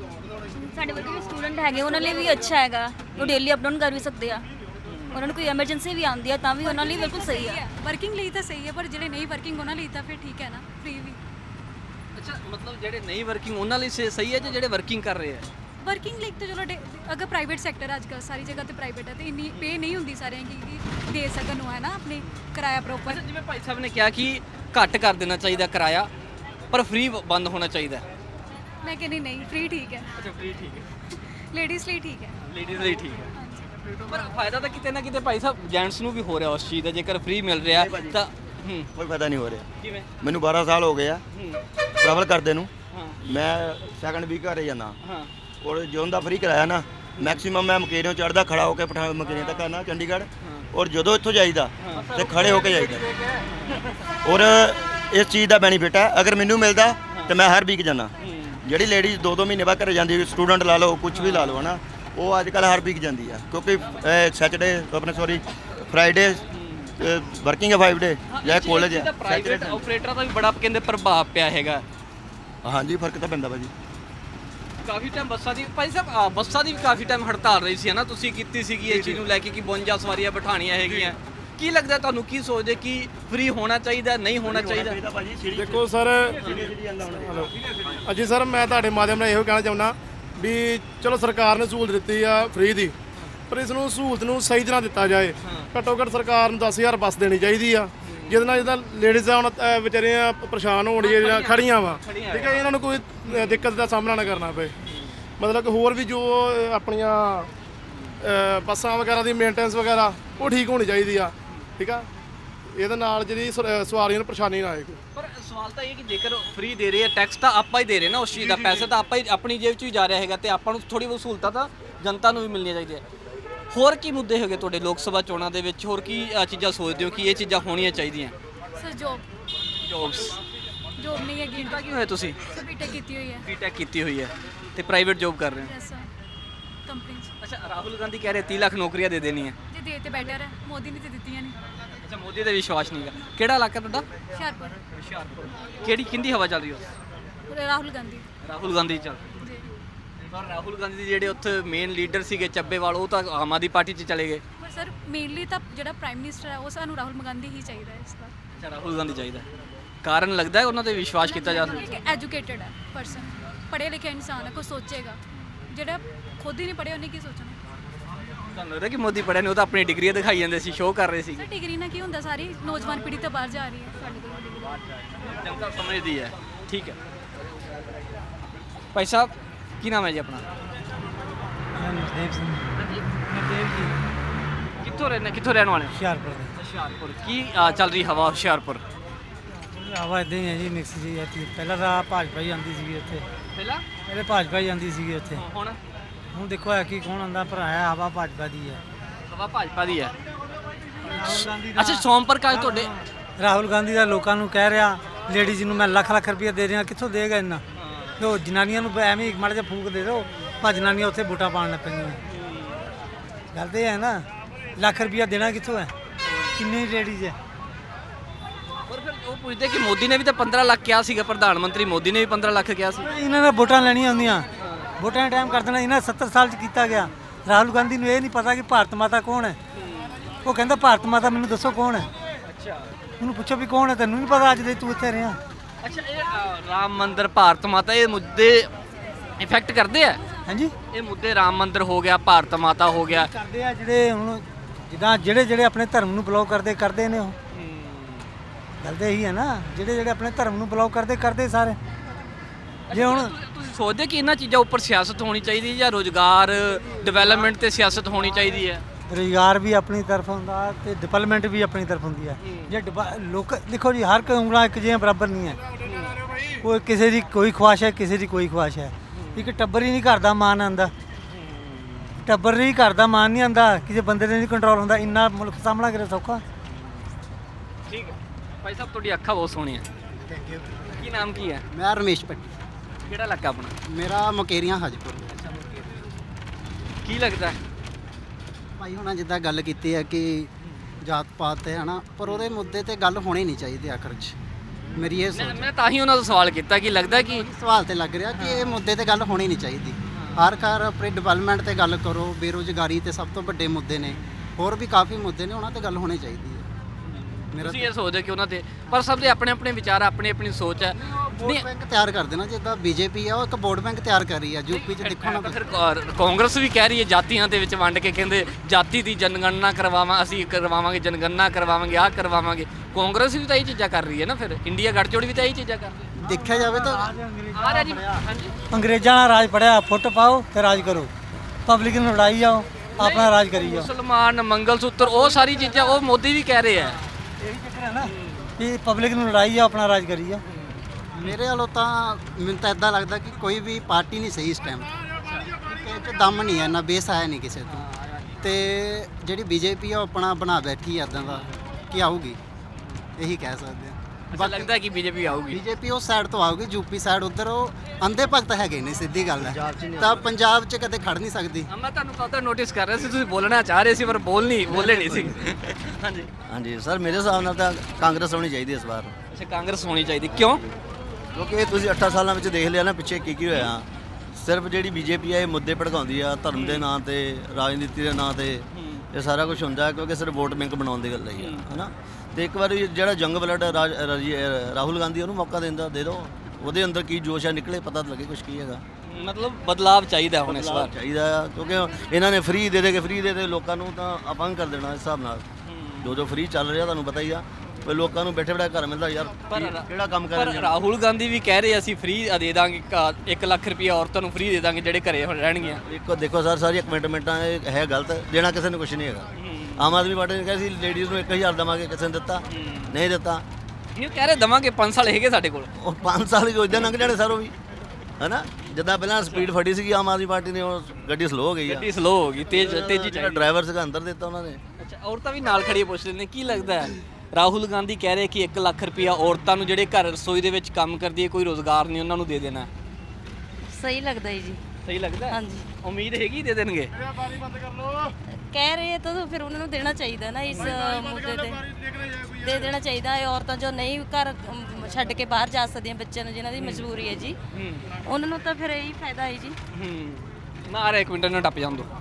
[SPEAKER 10] ਸਾਡੇ ਵਰਗੇ ਵੀ ਸਟੂਡੈਂਟ ਹੈਗੇ, ਉਹਨਾਂ ਲਈ ਵੀ ਅੱਛਾ ਹੈਗਾ, ਉਹ ਡੇਲੀ ਅਪਡਾਊਨ ਕਰ ਵੀ ਸਕਦੇ ਆ। ਉਹਨਾਂ ਨੂੰ ਕੋਈ ਐਮਰਜੈਂਸੀ ਵੀ ਆਉਂਦੀ ਆ ਤਾਂ ਵੀ ਉਹਨਾਂ ਲਈ ਬਿਲਕੁਲ ਸਹੀ ਆ।
[SPEAKER 9] ਵਰਕਿੰਗ ਲਈ ਤਾਂ ਸਹੀ ਹੈ, ਪਰ ਜਿਹੜੇ ਨਹੀਂ ਵਰਕਿੰਗ ਉਹਨਾਂ ਲਈ ਤਾਂ ਫਿਰ ਠੀਕ ਹੈ ਨਾ, ਫ੍ਰੀ ਵੀ।
[SPEAKER 2] ਅੱਛਾ, ਮਤਲਬ ਜਿਹੜੇ ਨਹੀਂ ਵਰਕਿੰਗ ਉਹਨਾਂ ਲਈ ਸ- ਸਹੀ ਹੈ ਜਾਂ ਜਿਹੜੇ ਵਰਕਿੰਗ ਕਰ ਰਹੇ ਆ?
[SPEAKER 9] ਵਰਕਿੰਗ ਲਈ ਤਾਂ ਚਲੋ ਡੇ- ਅਗਰ ਪ੍ਰਾਈਵੇਟ ਸੈਕਟਰ ਅੱਜ ਕੱਲ੍ਹ ਸਾਰੀ ਜਗ੍ਹਾ ਤੇ ਪ੍ਰਾਈਵੇਟ ਹੈ ਤੇ ਇੰਨੀ ਪੇ ਨਹੀਂ ਹੁੰਦੀ ਸਾਰਿਆਂ ਦੀ ਕਿ ਦੇ ਸਕਣ ਨੂੰ, ਹੈ ਨਾ, ਆਪਣੇ ਕਿਰਾਇਆ ਪ੍ਰੋਪਰ।
[SPEAKER 2] ਅੱਛਾ, ਜਿਵੇਂ ਭਾਈ ਸਾਹਿਬ ਨੇ ਕਿਹਾ ਕਿ ਘੱਟ ਕਰ ਦੇਣਾ ਚਾਹੀਦਾ ਕਿਰਾਇਆ, ਪਰ ਫ੍ਰੀ ਬੰਦ ਹੋਣਾ ਚਾਹੀਦਾ।
[SPEAKER 9] ਮੈਂ ਕਹਿੰਦੀ ਨਹੀਂ, ਫ੍ਰੀ ਠੀਕ ਹੈ।
[SPEAKER 2] ਅੱਛਾ, ਫ੍ਰੀ ਠੀਕ ਹੈ,
[SPEAKER 9] ਲੇਡੀਜ਼ ਲਈ ਠੀਕ ਹੈ।
[SPEAKER 2] ਲੇਡੀਜ਼ ਲਈ ਠੀਕ ਹੈ, ਪਰ ਫਾਇਦਾ ਤਾਂ ਕਿਤੇ ਨਾ ਕਿਤੇ ਭਾਈ ਸਾਹਿਬ ਜੈਂਟਸ ਨੂੰ ਵੀ ਹੋ ਰਿਹਾ ਉਸ ਚੀਜ਼ ਦਾ, ਜੇਕਰ ਫ੍ਰੀ ਮਿਲ ਰਿਹਾ ਤਾਂ। ਹੂੰ,
[SPEAKER 5] ਕੋਈ ਫਾਇਦਾ ਨਹੀਂ ਹੋ ਰਿਹਾ।
[SPEAKER 2] ਕਿਵੇਂ?
[SPEAKER 5] ਮੈਨੂੰ ਬਾਰਾਂ ਸਾਲ ਹੋ ਗਏ ਆ
[SPEAKER 2] ਹੂੰ,
[SPEAKER 5] ਟਰੈਵਲ ਕਰਦੇ ਨੂੰ।
[SPEAKER 2] ਹਾਂ
[SPEAKER 5] ਮੈਂ ਸੈਕੰਡ ਵੀਕ ਘਰੇ ਜਾਂਦਾ,
[SPEAKER 2] ਹਾਂ
[SPEAKER 5] ਔਰ ਜਦੋਂ ਦਾ ਫ੍ਰੀ ਕਰਾਇਆ ਨਾ, ਮੈਕਸਿਮਮ ਮੈਂ ਮਕੇਰੀਓਂ ਚੜ੍ਹਦਾ, ਖੜਾ ਹੋ ਕੇ ਪਠਾਨ ਮਕੇਰੀਆਂ ਤੱਕ ਆਉਣਾ ਚੰਡੀਗੜ੍ਹ, ਔਰ ਜਦੋਂ ਇੱਥੋਂ ਜਾਈਦਾ ਤੇ ਖੜੇ ਹੋ ਕੇ ਜਾਈਦਾ। ਔਰ ਇਸ ਚੀਜ਼ ਦਾ ਬੈਨੀਫਿਟ ਹੈ, ਅਗਰ ਮੈਨੂੰ ਮਿਲਦਾ ਤੇ ਮੈਂ ਹਰ ਵੀਕ ਜਾਂਦਾ। ਜਿਹੜੀ ਲੇਡੀਜ਼ ਦੋ ਦੋ ਮਹੀਨੇ ਬਾਅਦ ਘਰੇ ਜਾਂਦੀ, ਸਟੂਡੈਂਟ ਲਾ ਲਓ, ਕੁਝ ਵੀ ਲਾ ਲਓ, ਹੈ ਨਾ, ਉਹ ਅੱਜ ਕੱਲ੍ਹ ਹਰ ਵੀਕ ਜਾਂਦੀ ਆ, ਕਿਉਂਕਿ ਸੈਟਰਡੇ ਆਪਣੇ ਸੌਰੀ ਫਰਾਈਡੇ ਵਰਕਿੰਗ ਹੈ ਫਾਈਵ ਡੇ ਜਾਂ ਕਾਲਜ ਹੈ
[SPEAKER 2] ਪ੍ਰਾਈਵੇਟ ਆਪਰੇਟਰਾਂ ਦਾ ਵੀ ਬੜਾ ਕਹਿੰਦੇ ਪ੍ਰਭਾਵ ਪਿਆ ਹੈਗਾ।
[SPEAKER 5] ਹਾਂਜੀ ਫਰਕ ਤਾਂ ਪੈਂਦਾ ਭਾਜੀ।
[SPEAKER 2] ਕਾਫੀ ਟਾਈਮ ਬੱਸਾਂ ਦੀ ਭਾਈ ਸਾਹਿਬ ਅ, ਬੱਸਾਂ ਦੀ ਵੀ ਕਾਫੀ ਟਾਈਮ ਹੜਤਾਲ ਰਹੀ ਸੀ ਹੈ ਨਾ, ਤੁਸੀਂ ਕੀਤੀ ਸੀਗੀ ਇਹ ਚੀਜ਼ ਨੂੰ ਲੈ ਕੇ ਕਿ ਬਵੰਜਾ ਸਵਾਰੀਆਂ ਬਿਠਾਣੀਆਂ ਹੈਗੀਆਂ। ਕੀ ਲੱਗਦਾ ਤੁਹਾਨੂੰ, ਕੀ ਸੋਚਦੇ ਕਿ ਫ੍ਰੀ ਹੋਣਾ ਚਾਹੀਦਾ, ਨਹੀਂ ਹੋਣਾ ਚਾਹੀਦਾ?
[SPEAKER 6] ਦੇਖੋ ਸਰ, ਹਲੋ ਅਜੀ ਸਰ, ਮੈਂ ਤੁਹਾਡੇ ਮਾਧਿਅਮ ਨਾਲ ਇਹੋ ਕਹਿਣਾ ਚਾਹੁੰਦਾ ਵੀ ਚਲੋ ਸਰਕਾਰ ਨੇ ਸਹੂਲਤ ਦਿੱਤੀ ਆ ਫ੍ਰੀ ਦੀ, ਪਰ ਇਸ ਨੂੰ ਸਹੂਲਤ ਨੂੰ ਸਹੀ ਤਰ੍ਹਾਂ ਦਿੱਤਾ ਜਾਏ। ਘੱਟੋ ਘੱਟ ਸਰਕਾਰ ਨੂੰ ਦਸ ਹਜ਼ਾਰ ਬੱਸ ਦੇਣੀ ਚਾਹੀਦੀ ਆ, ਜਿਹਦੇ ਨਾਲ ਜਿੱਦਾਂ ਲੇਡੀਜ਼ ਆ ਹੁਣ ਅ, ਵਿਚਾਰੀਆਂ ਪਰੇਸ਼ਾਨ ਹੋਣ ਡੀਆਂ ਜਾਂ ਖੜੀਆਂ ਵਾ, ਠੀਕ ਹੈ, ਇਹਨਾਂ ਨੂੰ ਕੋਈ ਅ, ਦਿੱਕਤ ਦਾ ਸਾਹਮਣਾ ਨਾ ਕਰਨਾ ਪਏ। ਮਤਲਬ ਕਿ ਹੋਰ ਵੀ ਜੋ ਅ, ਆਪਣੀਆਂ ਅ, ਬੱਸਾਂ ਵਗੈਰਾ ਦੀ ਮੇਨਟੇਨੈਂਸ ਵਗੈਰਾ ਉਹ ਠੀਕ ਹੋਣੀ ਚਾਹੀਦੀ ਆ, ਠੀਕ ਆ। ਇਹਦੇ ਨਾਲ ਜਿਹੜੀ ਸ- ਅ, ਸਵਾਰੀਆਂ ਨੂੰ ਪਰੇਸ਼ਾਨੀ ਨਾ ਆਏ ਕੋਈ।
[SPEAKER 2] ਪਰ ਸਵਾਲ ਤਾਂ ਇਹ ਕਿ ਜੇਕਰ ਫ੍ਰੀ ਦੇ ਰਹੇ ਆ, ਟੈਕਸ ਤਾਂ ਆਪਾਂ ਹੀ ਦੇ ਰਹੇ ਨਾ, ਉਸ ਚੀਜ਼ ਦਾ ਪੈਸਾ ਤਾਂ ਆਪਾਂ ਹੀ ਆਪਣੀ ਜੇਬ 'ਚ ਹੀ ਜਾ ਰਿਹਾ ਹੈਗਾ, ਤੇ ਆਪਾਂ ਨੂੰ ਥੋੜੀ ਬਹੁਤ ਸਹੂਲਤਾਂ ਤਾਂ ਜਨਤਾ ਨੂੰ ਵੀ ਮਿਲਣੀਆਂ ਚਾਹੀਦੀਆਂ। ਹੋਰ ਕੀ ਮੁੱਦੇ ਹੈਗੇ ਤੁਹਾਡੇ ਲੋਕ ਸਭਾ ਚੋਣਾਂ ਦੇ ਵਿੱਚ? ਹੋਰ ਕੀ ਅ, ਚੀਜ਼ਾਂ ਸੋਚਦੇ ਹੋ ਕਿ ਇਹ ਚੀਜ਼ਾਂ ਹੋਣੀਆਂ ਚਾਹੀਦੀਆਂ?
[SPEAKER 9] ਸਰ ਜੋਬ
[SPEAKER 2] ਜੋਬਸ
[SPEAKER 9] ਜੋਬ ਨਹੀਂ ਹੈਗੀ।
[SPEAKER 2] ਤਾਂ ਕੀ ਹੋਇਆ ਤੁਸੀਂ
[SPEAKER 9] ਸਰ ਬੀਟੈਕ ਕੀਤੀ ਹੋਈ ਹੈ।
[SPEAKER 2] ਬੀਟੈਕ ਕੀਤੀ ਹੋਈ ਹੈ ਤੇ ਪ੍ਰਾਈਵੇਟ ਜੋਬ ਕਰ ਰਹੇ ਹੋ?
[SPEAKER 9] ਯੈਸ ਸਰ, ਕੰਪਨੀ 'ਚ।
[SPEAKER 2] ਅੱਛਾ, ਰਾਹੁਲ ਗਾਂਧੀ ਕਹਿ ਰਹੇ ਤੀਹ ਲੱਖ ਨੌਕਰੀਆਂ ਦੇ ਦੇਣੀਆਂ।
[SPEAKER 9] ਜੇ ਦੇ ਤੇ ਬੈਟਰ ਹੈ, ਮੋਦੀ ਨੇ ਤੇ ਦਿੱਤੀਆਂ ਨਹੀਂ।
[SPEAKER 2] ਅੱਛਾ, ਮੋਦੀ ਤੇ ਵਿਸ਼ਵਾਸ ਨਹੀਂਗਾ। ਕਿਹੜਾ ਇਲਾਕਾ ਤੁਹਾਡਾ?
[SPEAKER 9] ਹੁਸ਼ਿਆਰਪੁਰ।
[SPEAKER 2] ਹੁਸ਼ਿਆਰਪੁਰ। ਕਿਹੜੀ ਕਿੰਦੀ ਹਵਾ ਚੱਲ ਰਹੀ ਹੈ?
[SPEAKER 9] ਰਾਹੁਲ ਗਾਂਧੀ
[SPEAKER 2] ਰਾਹੁਲ ਗਾਂਧੀ ਚੱਲ
[SPEAKER 9] ਜੀ।
[SPEAKER 2] ਪਰ ਰਾਹੁਲ ਗਾਂਧੀ ਦੇ ਜਿਹੜੇ ਉੱਥੇ ਮੇਨ ਲੀਡਰ ਸੀਗੇ ਚੱਬੇਵਾਲ, ਉਹ ਤਾਂ ਆਮ ਆਦਮੀ ਪਾਰਟੀ 'ਚ ਚਲੇ ਗਏ।
[SPEAKER 9] ਪਰ ਸਰ ਮੇਨਲੀ ਤਾਂ ਜਿਹੜਾ ਪ੍ਰਾਈਮ ਮਿਨਿਸਟਰ ਹੈ ਉਹ ਸਾਨੂੰ ਰਾਹੁਲ ਗਾਂਧੀ ਹੀ ਚਾਹੀਦਾ ਹੈ ਇਸ ਵਾਰ।
[SPEAKER 2] ਅੱਛਾ, ਰਾਹੁਲ ਗਾਂਧੀ ਚਾਹੀਦਾ। ਕਾਰਨ ਲੱਗਦਾ ਹੈ ਉਹਨਾਂ ਤੇ ਵਿਸ਼ਵਾਸ ਕੀਤਾ ਜਾ ਸਕਦਾ।
[SPEAKER 9] ਇੱਕ ਐਜੂਕੇਟਡ ਹੈ ਪਰਸਨ, ਪੜ੍ਹਿਆ ਲਿਖਿਆ ਇਨਸਾਨ ਹੈ, ਕੁਝ ਸੋਚੇਗਾ। ਜਿਹੜਾ ਖੁਦ ਹੀ ਨਹੀਂ ਪੜ੍ਹਿਆ ਉਹਨੇ ਕੀ ਸੋਚਣਾ?
[SPEAKER 2] ਤੁਹਾਨੂੰ ਲੱਗਦਾ ਕਿ ਮੋਦੀ ਪੜ੍ਹਿਆ ਨਹੀਂ, ਉਹ ਤਾਂ ਆਪਣੀ ਡਿਗਰੀਆਂ ਦਿਖਾਈ ਜਾਂਦੇ ਸੀ, ਸ਼ੋਅ ਕਰ ਰਹੇ ਸੀ।
[SPEAKER 9] ਸਰ ਡਿਗਰੀ ਨਾਲ ਕੀ ਹੁੰਦਾ? ਸਾਰੀ ਨੌਜਵਾਨ ਪੀੜ੍ਹੀ ਤਾਂ ਬਾਹਰ ਜਾ ਰਹੀ ਹੈ ਸਾਡੇ ਕੋਲ ਡਿਗਰੀ।
[SPEAKER 2] ਜਨਤਾ ਸਮਝਦੀ ਹੈ। ਠੀਕ ਹੈ ਭਾਈ ਸਾਹਿਬ, ਕੀ ਨਾਮ ਹੈ ਜੀ ਆਪਣਾ?
[SPEAKER 7] ਨਰਦੇਵ ਸਿੰਘ ਨਰਦੇਵ ਜੀ,
[SPEAKER 2] ਕਿੱਥੋਂ ਰਹਿੰਦੇ, ਕਿੱਥੋਂ ਰਹਿਣ ਵਾਲੇ?
[SPEAKER 7] ਹੁਸ਼ਿਆਰਪੁਰ ਦੇ।
[SPEAKER 2] ਹੁਸ਼ਿਆਰਪੁਰ। ਕੀ ਅ, ਚੱਲ ਰਹੀ ਹਵਾ ਹੁਸ਼ਿਆਰਪੁਰ?
[SPEAKER 7] ਹਵਾ ਇੱਦਾਂ ਹੀ ਹੈ ਜੀ, ਮਿਕਸ ਜੀ ਹੈ। ਪਹਿਲਾਂ ਤਾਂ ਭਾਜਪਾ ਹੀ ਆਉਂਦੀ ਸੀਗੀ ਉੱਥੇ,
[SPEAKER 2] ਪਹਿਲਾਂ
[SPEAKER 7] ਪਹਿਲੇ ਭਾਜਪਾ ਹੀ ਆਉਂਦੀ ਸੀਗੀ ਉੱਥੇ।
[SPEAKER 2] ਹੁਣ
[SPEAKER 7] ਹੁਣ ਦੇਖੋ ਹੈ ਕੀ ਕੌਣ ਆਉਂਦਾ, ਪਰ ਹੈ ਹਵਾ ਭਾਜਪਾ ਦੀ ਹੈ।
[SPEAKER 2] ਹਵਾ ਭਾਜਪਾ ਦੀ ਹੈ।
[SPEAKER 7] ਰਾਹੁਲ ਗਾਂਧੀ
[SPEAKER 2] ਅੱਛਾ, ਸੋਮ ਪ੍ਰਕਾਸ਼ ਤੁਹਾਡੇ?
[SPEAKER 7] ਰਾਹੁਲ ਗਾਂਧੀ ਦਾ ਲੋਕਾਂ ਨੂੰ ਕਹਿ ਰਿਹਾ ਲੇਡੀਜ਼ ਨੂੰ ਮੈਂ ਲੱਖ ਲੱਖ ਰੁਪਏ ਦੇ ਰਿਹਾ, ਕਿੱਥੋਂ ਦੇਗਾ ਇੰਨਾ? ਤੇ ਉਹ ਜਨਾਨੀਆਂ ਨੂੰ ਐਵੇਂ ਹੀ ਮਾੜਾ ਜਿਹਾ ਫੂਕ ਦੇ ਦਿਓ, ਪਰ ਜਨਾਨੀਆਂ ਉੱਥੇ ਵੋਟਾਂ ਪਾਉਣ ਲੱਗ ਪੈਂਦੀਆਂ। ਗੱਲ ਤਾਂ ਇਹ ਹੈ ਨਾ, ਲੱਖ ਰੁਪਇਆ ਦੇਣਾ ਕਿੱਥੋਂ ਹੈ? ਕਿੰਨੀ ਲੇਡੀਜ਼ ਹੈ?
[SPEAKER 2] ਪਰ ਫਿਰ ਉਹ ਪੁੱਛਦੇ ਕਿ ਮੋਦੀ ਨੇ ਵੀ ਤਾਂ ਪੰਦਰਾਂ ਲੱਖ ਕਿਹਾ ਸੀਗਾ, ਪ੍ਰਧਾਨ ਮੰਤਰੀ ਮੋਦੀ ਨੇ ਵੀ ਪੰਦਰਾਂ ਲੱਖ ਕਿਹਾ ਸੀ।
[SPEAKER 7] ਇਹਨਾਂ ਨੇ ਵੋਟਾਂ ਲੈਣੀਆਂ ਹੁੰਦੀਆਂ, ਵੋਟਾਂ ਦਾ ਟਾਈਮ ਕਰ ਦੇਣਾ। ਇਹਨਾਂ ਸੱਤਰ ਸਾਲ 'ਚ ਕੀਤਾ ਗਿਆ। ਰਾਹੁਲ ਗਾਂਧੀ ਨੂੰ ਇਹ ਨਹੀਂ ਪਤਾ ਕਿ ਭਾਰਤ ਮਾਤਾ ਕੌਣ ਹੈ। ਉਹ ਕਹਿੰਦਾ ਭਾਰਤ ਮਾਤਾ ਮੈਨੂੰ ਦੱਸੋ ਕੌਣ ਹੈ।
[SPEAKER 2] ਅੱਛਾ,
[SPEAKER 7] ਉਹਨੂੰ ਪੁੱਛੋ ਵੀ ਕੌਣ ਹੈ, ਤੈਨੂੰ ਨਹੀਂ ਪਤਾ ਅੱਜ ਦੇ ਤੂੰ ਇੱਥੇ ਰਿਹਾ।
[SPEAKER 2] ਅੱਛਾ, ਇਹ ਅ, ਰਾਮ ਮੰਦਿਰ, ਭਾਰਤ ਮਾਤਾ, ਇਹ ਮੁੱਦੇ ਇਫੈਕਟ ਕਰਦੇ ਆ?
[SPEAKER 7] ਹਾਂਜੀ,
[SPEAKER 2] ਇਹ ਮੁੱਦੇ ਰਾਮ ਮੰਦਿਰ ਹੋ ਗਿਆ, ਭਾਰਤ ਮਾਤਾ ਹੋ ਗਿਆ।
[SPEAKER 7] ਕਰਦੇ ਆ ਜਿਹੜੇ ਹੁਣ ਜਿੱਦਾਂ ਜਿਹੜੇ ਜਿਹੜੇ ਆਪਣੇ ਧਰਮ ਨੂੰ ਬਲੌਕ ਕਰਦੇ ਕਰਦੇ ਨੇ, ਉਹ ਗੱਲ ਤਾਂ ਇਹੀ ਹੈ ਨਾ, ਜਿਹੜੇ ਜਿਹੜੇ ਆਪਣੇ ਧਰਮ ਨੂੰ ਬਲੌਕ ਕਰਦੇ ਕਰਦੇ ਸਾਰੇ। ਜੇ ਹੁਣ
[SPEAKER 2] ਤੁਸੀਂ ਸੋਚਦੇ ਕਿ ਇਹਨਾਂ ਚੀਜ਼ਾਂ ਉੱਪਰ ਸਿਆਸਤ ਹੋਣੀ ਚਾਹੀਦੀ ਹੈ ਜਾਂ ਰੋਜ਼ਗਾਰ ਡਿਵੈਲਪਮੈਂਟ ਤੇ ਸਿਆਸਤ ਹੋਣੀ ਚਾਹੀਦੀ ਹੈ?
[SPEAKER 7] ਰੁਜ਼ਗਾਰ ਵੀ ਆਪਣੀ ਤਰਫ ਹੁੰਦਾ ਤੇ ਡਿਵੈਲਪਮੈਂਟ ਵੀ ਆਪਣੀ ਤਰਫ ਹੁੰਦੀ ਹੈ। ਜੇ ਡਿਵੈ- ਲੋਕ ਦੇਖੋ ਜੀ, ਹਰ ਕੋਈ ਉਂਗਲਾਂ ਇੱਕ ਜਿਹੀਆਂ ਬਰਾਬਰ ਨਹੀਂ ਹੈ। ਕੋਈ ਕਿਸੇ ਦੀ ਕੋਈ ਖੁਆਇਸ਼ ਹੈ, ਕਿਸੇ ਦੀ ਕੋਈ ਖੁਆਇਸ਼ ਹੈ। ਇੱਕ ਟੱਬਰ ਹੀ ਨਹੀਂ ਘਰ ਦਾ ਮਾਨ ਆਂਦਾ, ਟੱਬਰ ਹੀ ਘਰ ਦਾ ਮਾਨ ਨਹੀਂ ਆਂਦਾ ਕਿ ਜੇ ਬੰਦੇ ਦੇ ਨਹੀਂ ਕੰਟਰੋਲ ਹੁੰਦਾ, ਇੰਨਾ ਮੁਲਕ ਸਾਹਮਣਾ ਕਰੇ ਸੌਖਾ।
[SPEAKER 2] ਠੀਕ ਹੈ ਭਾਈ ਸਾਹਿਬ, ਤੁਹਾਡੀ ਅੱਖਾਂ ਬਹੁਤ ਸੋਹਣੀਆਂ। ਕੀ ਨਾਮ ਕੀ ਹੈ?
[SPEAKER 11] ਮੈਂ ਰਮੇਸ਼ ਪੱਟੀ।
[SPEAKER 2] ਕਿਹੜਾ ਇਲਾਕਾ ਆਪਣਾ?
[SPEAKER 11] ਮੇਰਾ ਮੁਕੇਰੀਆਂ ਹਾਜਪੁਰ।
[SPEAKER 2] ਕੀ ਲੱਗਦਾ ਹੈ?
[SPEAKER 11] ਭਾਈ ਹੁਣਾਂ ਜਿੱਦਾਂ ਗੱਲ ਕੀਤੀ ਹੈ ਕਿ ਜਾਤ ਪਾਤ ਤੇ ਹੈ ਨਾ, ਪਰ ਉਹਦੇ ਮੁੱਦੇ ਤੇ ਗੱਲ ਹੋਣੀ ਨਹੀਂ ਚਾਹੀਦੀ ਆਖਰ 'ਚ। ਮੇਰੀ ਇਹ
[SPEAKER 2] ਮੈਂ
[SPEAKER 11] ਸੋਚ
[SPEAKER 2] ਮੈਂ ਤਾਂ ਹੀ ਉਹਨਾਂ ਤੋਂ ਸਵਾਲ ਕੀਤਾ ਕਿ ਲੱਗਦਾ ਕਿ
[SPEAKER 11] ਸਵਾਲ ਤੇ ਲੱਗ ਰਿਹਾ ਕਿ ਇਹ ਮੁੱਦੇ ਤੇ ਗੱਲ ਹੋਣੀ ਨਹੀਂ ਚਾਹੀਦੀ। ਹਰ ਘਰ ਆਪਣੇ ਡਿਵੈਲਪਮੈਂਟ ਤੇ ਗੱਲ ਕਰੋ, ਬੇਰੁਜ਼ਗਾਰੀ ਤੇ ਸਭ ਤੋਂ ਵੱਡੇ ਮੁੱਦੇ ਨੇ, ਹੋਰ ਵੀ ਕਾਫੀ ਮੁੱਦੇ ਨੇ, ਉਹਨਾਂ ਤੇ ਗੱਲ ਹੋਣੀ ਚਾਹੀਦੀ ਹੈ। ਮੇਰਾ
[SPEAKER 2] ਤੁਸੀਂ ਇਹ ਸੋਚਦੇ ਕਿ ਉਹਨਾਂ ਤੇ, ਪਰ ਸਭ ਦੇ ਆਪਣੇ ਆਪਣੇ ਵਿਚਾਰ, ਆਪਣੀ ਆਪਣੀ ਸੋਚ ਹੈ।
[SPEAKER 11] ਵੋਟ ਬੈਂਕ ਤਿਆਰ ਕਰ ਦੇਣਾ, ਜਿੱਦਾਂ ਬੀਜੇਪੀ ਆ ਉਹ ਇੱਕ ਵੋਟ ਬੈਂਕ ਤਿਆਰ ਕਰ ਰਹੀ ਹੈ ਯੂਪੀ 'ਚ। ਦੇਖੋ ਨਾ
[SPEAKER 2] ਤਾਂ ਫਿਰ ਕੌ- ਕਾਂਗਰਸ ਵੀ ਕਹਿ ਰਹੀ ਹੈ ਜਾਤੀਆਂ ਦੇ ਵਿੱਚ ਵੰਡ ਕੇ, ਕਹਿੰਦੇ ਜਾਤੀ ਦੀ ਜਨਗਣਨਾ ਕਰਵਾਵਾਂ, ਅਸੀਂ ਕਰਵਾਵਾਂਗੇ, ਜਨਗਣਨਾ ਕਰਵਾਵਾਂਗੇ, ਆਹ ਕਰਵਾਵਾਂਗੇ। ਕਾਂਗਰਸ ਵੀ ਤਾਂ ਇਹ ਚੀਜ਼ਾਂ ਕਰ ਰਹੀ ਹੈ ਨਾ, ਫਿਰ ਇੰਡੀਆ ਗੱਠਜੋੜ ਵੀ ਤਾਂ ਇਹ ਚੀਜ਼ਾਂ ਕਰ ਰਹੀ ਹੈ।
[SPEAKER 11] ਦੇਖਿਆ ਜਾਵੇ ਤਾਂ
[SPEAKER 2] ਆ ਰਿਹਾ ਜੀ। ਹਾਂਜੀ,
[SPEAKER 7] ਅੰਗਰੇਜ਼ਾਂ ਦਾ ਰਾਜ ਪੜਿਆ, ਫੁੱਟ ਪਾਓ ਤੇ ਰਾਜ ਕਰੋ, ਪਬਲਿਕ ਨੂੰ ਲੜਾਈ ਜਾਓ, ਆਪਣਾ ਰਾਜ ਕਰੀ ਜਾਓ।
[SPEAKER 2] ਮੁਸਲਮਾਨ ਮੰਗਲ ਸੂਤਰ, ਉਹ ਸਾਰੀ ਚੀਜ਼ਾਂ ਉਹ ਮੋਦੀ ਵੀ ਕਹਿ ਰਹੇ ਆ।
[SPEAKER 7] ਇਹੀ ਚੱਕਰ ਹੈ ਨਾ ਕਿ ਪਬਲਿਕ ਨੂੰ ਲੜਾਈ ਜਾਓ, ਆਪਣਾ ਰਾਜ ਕਰੀ ਜਾਓ।
[SPEAKER 11] ਮੇਰੇ ਵੱਲੋਂ ਤਾਂ ਮੈਨੂੰ ਤਾਂ ਇਦਾਂ ਲੱਗਦਾ ਕਿ ਕੋਈ ਵੀ ਪਾਰਟੀ ਨਹੀਂ ਸਹੀ ਇਸ ਟਾਈਮ, ਕਿਉਂਕਿ ਇਹ 'ਚ ਦਮ ਨਹੀਂ ਹੈ, ਨਾ ਬੇਸ ਆਇਆ ਨਹੀਂ ਕਿਸੇ ਤੋਂ। ਤੇ ਜਿਹੜੀ ਬੀਜੇਪੀ ਆ ਉਹ ਆਪਣਾ ਬਣਾ ਬੈਠੀ ਹੈ ਇੱਦਾਂ ਦਾ ਕਿ ਆਊਗੀ, ਇਹੀ ਕਹਿ ਸਕਦੇ ਹਾਂ।
[SPEAKER 2] ਅੱਛਾ ਲੱਗਦਾ ਕਿ ਬੀਜੇਪੀ ਆਊਗੀ
[SPEAKER 11] ਬੀਜੇਪੀ ਉਸ ਸਾਈਡ ਤੋਂ ਆਊਗੀ, ਯੂਪੀ ਸਾਈਡ ਉਧਰ ਉਹ ਅੰਧੇ ਭਗਤ ਹੈਗੇ ਨੇ, ਸਿੱਧੀ ਗੱਲ ਹੈ। ਤਾਂ ਪੰਜਾਬ 'ਚ ਕਦੇ ਖੜ ਨਹੀਂ ਸਕਦੀ।
[SPEAKER 2] ਮੈਂ ਤੁਹਾਨੂੰ ਪਤਾ ਨੋਟਿਸ ਕਰ ਰਿਹਾ ਸੀ ਤੁਸੀਂ ਬੋਲਣਾ ਚਾਹ ਰਹੇ ਸੀ ਪਰ ਬੋਲ ਨਹੀਂ ਬੋਲੇ ਨਹੀਂ ਸੀ। ਹਾਂਜੀ
[SPEAKER 5] ਹਾਂਜੀ ਸਰ, ਮੇਰੇ ਹਿਸਾਬ ਨਾਲ ਤਾਂ ਕਾਂਗਰਸ ਹੋਣੀ ਚਾਹੀਦੀ ਇਸ ਵਾਰ,
[SPEAKER 2] ਅੱਛਾ ਕਾਂਗਰਸ ਹੋਣੀ ਚਾਹੀਦੀ, ਕਿਉਂ?
[SPEAKER 5] ਕਿਉਂਕਿ ਇਹ ਤੁਸੀਂ ਅੱਠਾਂ ਸਾਲਾਂ ਵਿੱਚ ਦੇਖ ਲਿਆ ਨਾ ਪਿੱਛੇ ਕੀ ਕੀ ਹੋਇਆ। ਸਿਰਫ ਜਿਹੜੀ ਬੀਜੇਪੀ ਹੈ ਇਹ ਮੁੱਦੇ ਭੜਕਾਉਂਦੀ ਆ ਧਰਮ ਦੇ ਨਾਂ ਤੇ, ਰਾਜਨੀਤੀ ਦੇ ਨਾਂ ਤੇ, ਇਹ ਸਾਰਾ ਕੁਝ ਹੁੰਦਾ ਹੈ ਕਿਉਂਕਿ ਸਿਰਫ ਵੋਟ ਬੈਂਕ ਬਣਾਉਣ ਦੀ ਗੱਲ ਹੈ ਹਨਾ। ਤੇ ਇੱਕ ਵਾਰੀ ਜਿਹੜਾ ਜੰਗ ਬਲੱਡ ਰਾਜ ਰਾਜੀ- ਰਾਹੁਲ ਗਾਂਧੀ ਉਹਨੂੰ ਮੌਕਾ ਦਿੰਦਾ ਦੇ ਦਿਓ, ਉਹਦੇ ਅੰਦਰ ਕੀ ਜੋਸ਼ ਹੈ ਨਿਕਲੇ, ਪਤਾ ਲੱਗੇ ਕੁਝ ਕੀ ਹੈਗਾ।
[SPEAKER 2] ਮਤਲਬ ਬਦਲਾਵ ਚਾਹੀਦਾ ਹੁਣ ਇਸ ਵਾਰ
[SPEAKER 5] ਚਾਹੀਦਾ ਆ ਕਿਉਂਕਿ ਇਹਨਾਂ ਨੇ ਫ੍ਰੀ ਦੇ ਦੇ ਕੇ ਫ੍ਰੀ ਦੇ ਦੇ ਲੋਕਾਂ ਨੂੰ ਤਾਂ ਅਪੰਗ ਕਰ ਦੇਣਾ ਇਸ ਹਿਸਾਬ ਨਾਲ। ਜੋ ਜੋ ਫ੍ਰੀ ਚੱਲ ਰਿਹਾ ਤੁਹਾਨੂੰ ਪਤਾ ਹੀ ਆ, ਵੀ ਲੋਕਾਂ ਨੂੰ ਬੈਠੇ ਬਿਠਾਏ ਘਰ ਮਿਲਦਾ ਯਾਰ, ਕਿਹੜਾ ਕੰਮ
[SPEAKER 2] ਪਰ
[SPEAKER 5] ਕਰਨ
[SPEAKER 2] ਰਾਹੁਲ ਗਾਂਧੀ ਵੀ ਕਹਿ ਰਹੇ ਅਸੀਂ ਫ੍ਰੀ ਦੇ ਦਾਂਗੇ, ਇੱਕ ਲੱਖ ਰੁਪਇਆ ਔਰਤਾਂ ਨੂੰ ਫ੍ਰੀ ਦੇ ਦਾਂਗੇ ਜਿਹੜੇ ਘਰੇ ਰਹਿਣਗੀਆਂ।
[SPEAKER 5] ਦੇਖੋ ਦੇਖੋ ਸਰ, ਸਾਰੀ ਕਮੈਂਟਮੈਂਟਾਂ ਇਹ ਹੈ ਗਲਤ, ਦੇਣਾ ਕਿਸੇ ਨੂੰ ਕੁਝ ਨਹੀਂ ਹੈਗਾ। ਆਮ ਆਦਮੀ ਪਾਰਟੀ ਨੇ ਕਿਹਾ ਸੀ ਲੇਡੀਜ਼ ਨੂੰ ਇੱਕ ਹਜ਼ਾਰ ਦੇਵਾਂਗੇ, ਕਿਸੇ ਨੇ ਦਿੱਤਾ ਨਹੀਂ ਦਿੱਤਾ।
[SPEAKER 2] ਇਹ ਕਹਿ ਰਹੇ ਦੇਵਾਂਗੇ, ਪੰਜ ਸਾਲ ਹੈਗੇ ਸਾਡੇ ਕੋਲ।
[SPEAKER 5] ਉਹ ਪੰਜ ਸਾਲ ਹੀ ਉਦਾਂ ਲੰਘ ਜਾਣੇ ਸਰ ਉਹ ਵੀ, ਹੈਨਾ। ਜਿੱਦਾਂ ਪਹਿਲਾਂ ਸਪੀਡ ਫੜੀ ਸੀਗੀ ਆਮ ਆਦਮੀ ਪਾਰਟੀ ਨੇ, ਉਹ ਗੱਡੀ ਸਲੋ ਹੋ ਗਈ ਆ,
[SPEAKER 2] ਗੱਡੀ ਸਲੋ ਹੋ ਗਈ, ਤੇਜ਼ ਤੇਜ਼ੀ
[SPEAKER 5] ਜਿਹੜਾ ਡਰਾਈਵਰ ਸੀਗਾ ਅੰਦਰ ਦਿੱਤਾ ਉਹਨਾਂ ਨੇ।
[SPEAKER 2] ਅੱਛਾ ਔਰਤਾਂ ਵੀ ਨਾਲ ਖੜੀਆਂ ਪੁੱਛਦੇ ਨੇ ਕੀ ਲੱਗਦਾ ਹੈ? ਰਾਹੁਲ ਗਾਂਧੀ ਕਹਿ ਰਹੇ ਕਿ ਇੱਕ ਲੱਖ ਰੁਪਇਆ ਔਰਤਾਂ ਨੂੰ ਜਿਹੜੇ ਘਰ ਰਸੋਈ ਦੇ ਵਿੱਚ ਕੰਮ ਕਰਦੀ ਹੈ, ਕੋਈ ਰੋਜ਼ਗਾਰ ਨਹੀਂ, ਉਹਨਾਂ ਨੂੰ ਦੇ ਦੇਣਾ।
[SPEAKER 10] ਸਹੀ ਲੱਗਦਾ ਹੈ ਜੀ।
[SPEAKER 2] ਸਹੀ ਲੱਗਦਾ?
[SPEAKER 10] ਹਾਂਜੀ।
[SPEAKER 2] ਉਮੀਦ ਹੈਗੀ ਦੇ ਦੇਣਗੇ?
[SPEAKER 10] ਕਹਿ ਰਹੇ ਤਾਂ ਫਿਰ ਉਹਨਾਂ ਨੂੰ ਦੇਣਾ ਚਾਹੀਦਾ ਨਾ, ਇਸ ਮੁੱਦੇ ਤੇ ਦੇ ਦੇਣਾ ਚਾਹੀਦਾ ਹੈ। ਔਰਤਾਂ ਜੋ ਨਹੀਂ ਘਰ ਅਮ, ਛੱਡ ਕੇ ਬਾਹਰ ਜਾ ਸਕਦੀਆਂ, ਬੱਚਿਆਂ ਨੂੰ ਜਿਨ੍ਹਾਂ ਦੀ ਮਜਬੂਰੀ ਹੈ ਜੀ, ਉਹਨਾਂ ਨੂੰ ਤਾਂ ਫਿਰ ਇਹੀ ਫਾਇਦਾ ਹੈ ਜੀ।
[SPEAKER 2] ਹੂੰ ਨਾ ਇੱਕ ਮਿੰਟ ਨੂੰ ਟੱਪ ਜਾਣ ਦੋ।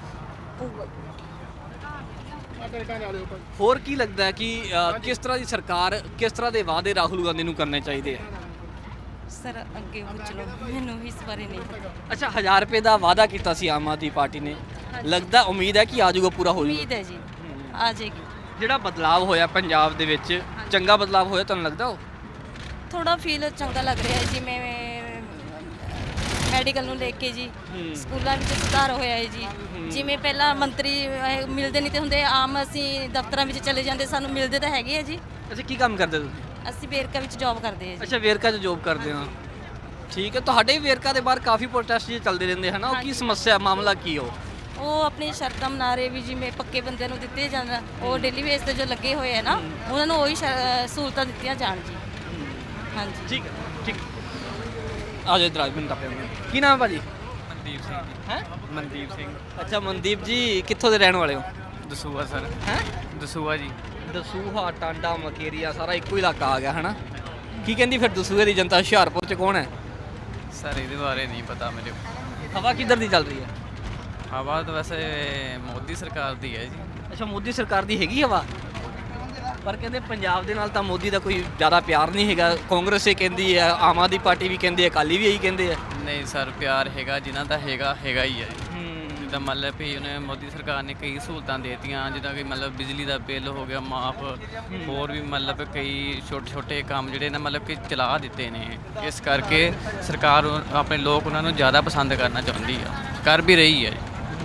[SPEAKER 2] ਹੋਰ ਕੀ ਲੱਗਦਾ ਹੈ ਕਿ ਅ, ਕਿਸ ਤਰ੍ਹਾਂ ਦੀ ਸਰਕਾਰ, ਕਿਸ ਤਰ੍ਹਾਂ ਦੇ ਵਾਅਦੇ ਰਾਹੁਲ ਗਾਂਧੀ ਨੂੰ ਕਰਨੇ ਚਾਹੀਦੇ ਆ?
[SPEAKER 10] ਸਰ ਅੱਗੇ ਪੁੱਛ ਲਓ, ਮੈਨੂੰ ਇਸ ਬਾਰੇ ਨਹੀਂ ਪਤਾ।
[SPEAKER 2] ਅੱਛਾ ਹਜ਼ਾਰ ਰੁਪਏ ਦਾ ਵਾਅਦਾ ਕੀਤਾ ਸੀ ਆਮ ਆਦਮੀ ਪਾਰਟੀ ਨੇ, ਲੱਗਦਾ ਉਮੀਦ ਹੈ ਕਿ ਆ ਜਾਊਗਾ, ਪੂਰਾ ਹੋ ਜਾਊਗਾ?
[SPEAKER 10] ਉਮੀਦ ਹੈ ਜੀ ਆ ਜਾਏਗੀ।
[SPEAKER 2] ਜਿਹੜਾ ਬਦਲਾਵ ਹੋਇਆ ਪੰਜਾਬ ਦੇ ਵਿੱਚ, ਚੰਗਾ ਬਦਲਾਵ ਹੋਇਆ ਤੁਹਾਨੂੰ ਲੱਗਦਾ? ਉਹ
[SPEAKER 10] ਥੋੜਾ ਫੀਲ ਚੰਗਾ ਲੱਗ ਰਿਹਾ ਹੈ, ਜਿਵੇਂ ਮੈਡੀਕਲ ਨੂੰ ਲੈ ਕੇ ਜੀ, ਸਕੂਲਾਂ ਵਿੱਚ ਸੁਧਾਰ ਹੋਇਆ ਹੈ ਜੀ। ਜਿਵੇਂ ਪਹਿਲਾਂ ਮੰਤਰੀ ਅਹ, ਮਿਲਦੇ ਨਹੀਂ ਤੇ ਹੁੰਦੇ, ਆਮ ਅਸੀਂ ਦਫ਼ਤਰਾਂ ਵਿੱਚ ਚਲੇ ਜਾਂਦੇ, ਸਾਨੂੰ ਮਿਲਦੇ ਤਾਂ ਹੈਗੇ ਆ ਜੀ।
[SPEAKER 2] ਅੱਛਾ ਕੀ ਕੰਮ ਕਰਦੇ ਤੁਸੀਂ?
[SPEAKER 10] ਅਸੀਂ ਵੇਰਕਾ ਵਿੱਚ ਜੌਬ ਕਰਦੇ ਹਾਂ ਜੀ।
[SPEAKER 2] ਅੱਛਾ ਵੇਰਕਾ 'ਚ ਜੋਬ ਕਰਦੇ ਹੋ, ਠੀਕ ਹੈ। ਤੁਹਾਡੇ ਵੀ ਵੇਰਕਾ ਦੇ ਬਾਹਰ ਕਾਫੀ ਪ੍ਰੋਟੈਸਟ ਜਿਹੇ ਚੱਲਦੇ ਰਹਿੰਦੇ ਹਨ, ਉਹ ਕੀ ਸਮੱਸਿਆ, ਮਾਮਲਾ ਕੀ ਹੋ?
[SPEAKER 10] ਉਹ ਆਪਣੀ ਸ਼ਰਤਾਂ ਮਨਾ ਰਹੇ ਵੀ, ਜਿਵੇਂ ਪੱਕੇ ਬੰਦਿਆਂ ਨੂੰ ਦਿੱਤੇ ਜਾਣ, ਉਹ ਡੇਲੀ ਬੇਸ ਤੇ ਜੋ ਲੱਗੇ ਹੋਏ ਆ ਨਾ, ਉਹਨਾਂ ਨੂੰ ਉਹੀ ਸ਼ਰ- ਸਹੂਲਤਾਂ ਦਿੱਤੀਆਂ ਜਾਣ ਜੀ। ਹਾਂਜੀ
[SPEAKER 2] ਠੀਕ ਹੈ ਠੀਕ ਆ ਜਾਓ ਇਧਰ, ਮੈਨੂੰ ਟੱਪਿਆ। ਕੀ ਨਾਮ ਹੈ ਭਾਜੀ?
[SPEAKER 12] ਮਨਦੀਪ ਸਿੰਘ ਜੀ।
[SPEAKER 2] ਹੈ
[SPEAKER 12] ਮਨਦੀਪ ਸਿੰਘ
[SPEAKER 2] ਅੱਛਾ ਮਨਦੀਪ ਜੀ, ਕਿੱਥੋਂ ਦੇ ਰਹਿਣ ਵਾਲੇ ਹੋ?
[SPEAKER 12] ਦਸੂਆ ਸਰ।
[SPEAKER 2] ਹੈ
[SPEAKER 12] ਦਸੂਆ ਜੀ।
[SPEAKER 2] ਦਸੂਹਾ, ਟਾਂਡਾ, ਮਕੇਰੀਆ ਸਾਰਾ ਇੱਕੋ ਇਲਾਕਾ ਆ ਗਿਆ ਹੈ ਨਾ? ਕੀ ਕਹਿੰਦੀ ਫਿਰ ਦਸੂਹੇ ਦੀ ਜਨਤਾ? ਹੁਸ਼ਿਆਰਪੁਰ 'ਚ ਕੌਣ ਹੈ?
[SPEAKER 12] ਸਰ ਇਹਦੇ ਬਾਰੇ ਨਹੀਂ ਪਤਾ ਮੇਰੇ।
[SPEAKER 2] ਹਵਾ ਕਿੱਧਰ ਦੀ ਚੱਲ ਰਹੀ ਹੈ?
[SPEAKER 12] ਹਵਾ ਤਾਂ ਵੈਸੇ ਮੋਦੀ ਸਰਕਾਰ ਦੀ ਹੈ ਜੀ।
[SPEAKER 2] ਅੱਛਾ ਮੋਦੀ ਸਰਕਾਰ ਦੀ ਹੈਗੀ ਹਵਾ, ਪਰ ਕਹਿੰਦੇ ਪੰਜਾਬ ਦੇ ਨਾਲ ਤਾਂ ਮੋਦੀ ਦਾ ਕੋਈ ਜ਼ਿਆਦਾ ਪਿਆਰ ਨਹੀਂ ਹੈਗਾ। ਕਾਂਗਰਸ ਇਹ ਕਹਿੰਦੀ ਹੈ, ਆਮ ਆਦਮੀ ਪਾਰਟੀ ਵੀ ਕਹਿੰਦੀ ਹੈ, ਅਕਾਲੀ ਵੀ ਇਹੀ ਕਹਿੰਦੇ ਆ।
[SPEAKER 12] ਨਹੀਂ ਸਰ ਪਿਆਰ ਹੈਗਾ, ਜਿਨ੍ਹਾਂ ਦਾ ਹੈਗਾ ਹੈਗਾ ਹੀ ਹੈ। ਜਿੱਦਾਂ ਮਤਲਬ ਵੀ ਉਹਨੇ ਮੋਦੀ ਸਰਕਾਰ ਨੇ ਕਈ ਸਹੂਲਤਾਂ ਦੇਤੀਆਂ, ਜਿੱਦਾਂ ਕਿ ਮਤਲਬ ਬਿਜਲੀ ਦਾ ਬਿੱਲ ਹੋ ਗਿਆ ਮਾਫ, ਹੋਰ ਵੀ ਮਤਲਬ ਕਈ ਛੋਟੇ ਛੋਟੇ ਕੰਮ ਜਿਹੜੇ ਨੇ ਮਤਲਬ ਕਿ ਚਲਾ ਦਿੱਤੇ ਨੇ। ਇਸ ਕਰਕੇ ਸਰਕਾਰ ਉਹ- ਆਪਣੇ ਲੋਕ ਉਹਨਾਂ ਨੂੰ ਜ਼ਿਆਦਾ ਪਸੰਦ ਕਰਨਾ ਚਾਹੁੰਦੀ ਆ, ਕਰ ਵੀ ਰਹੀ ਹੈ।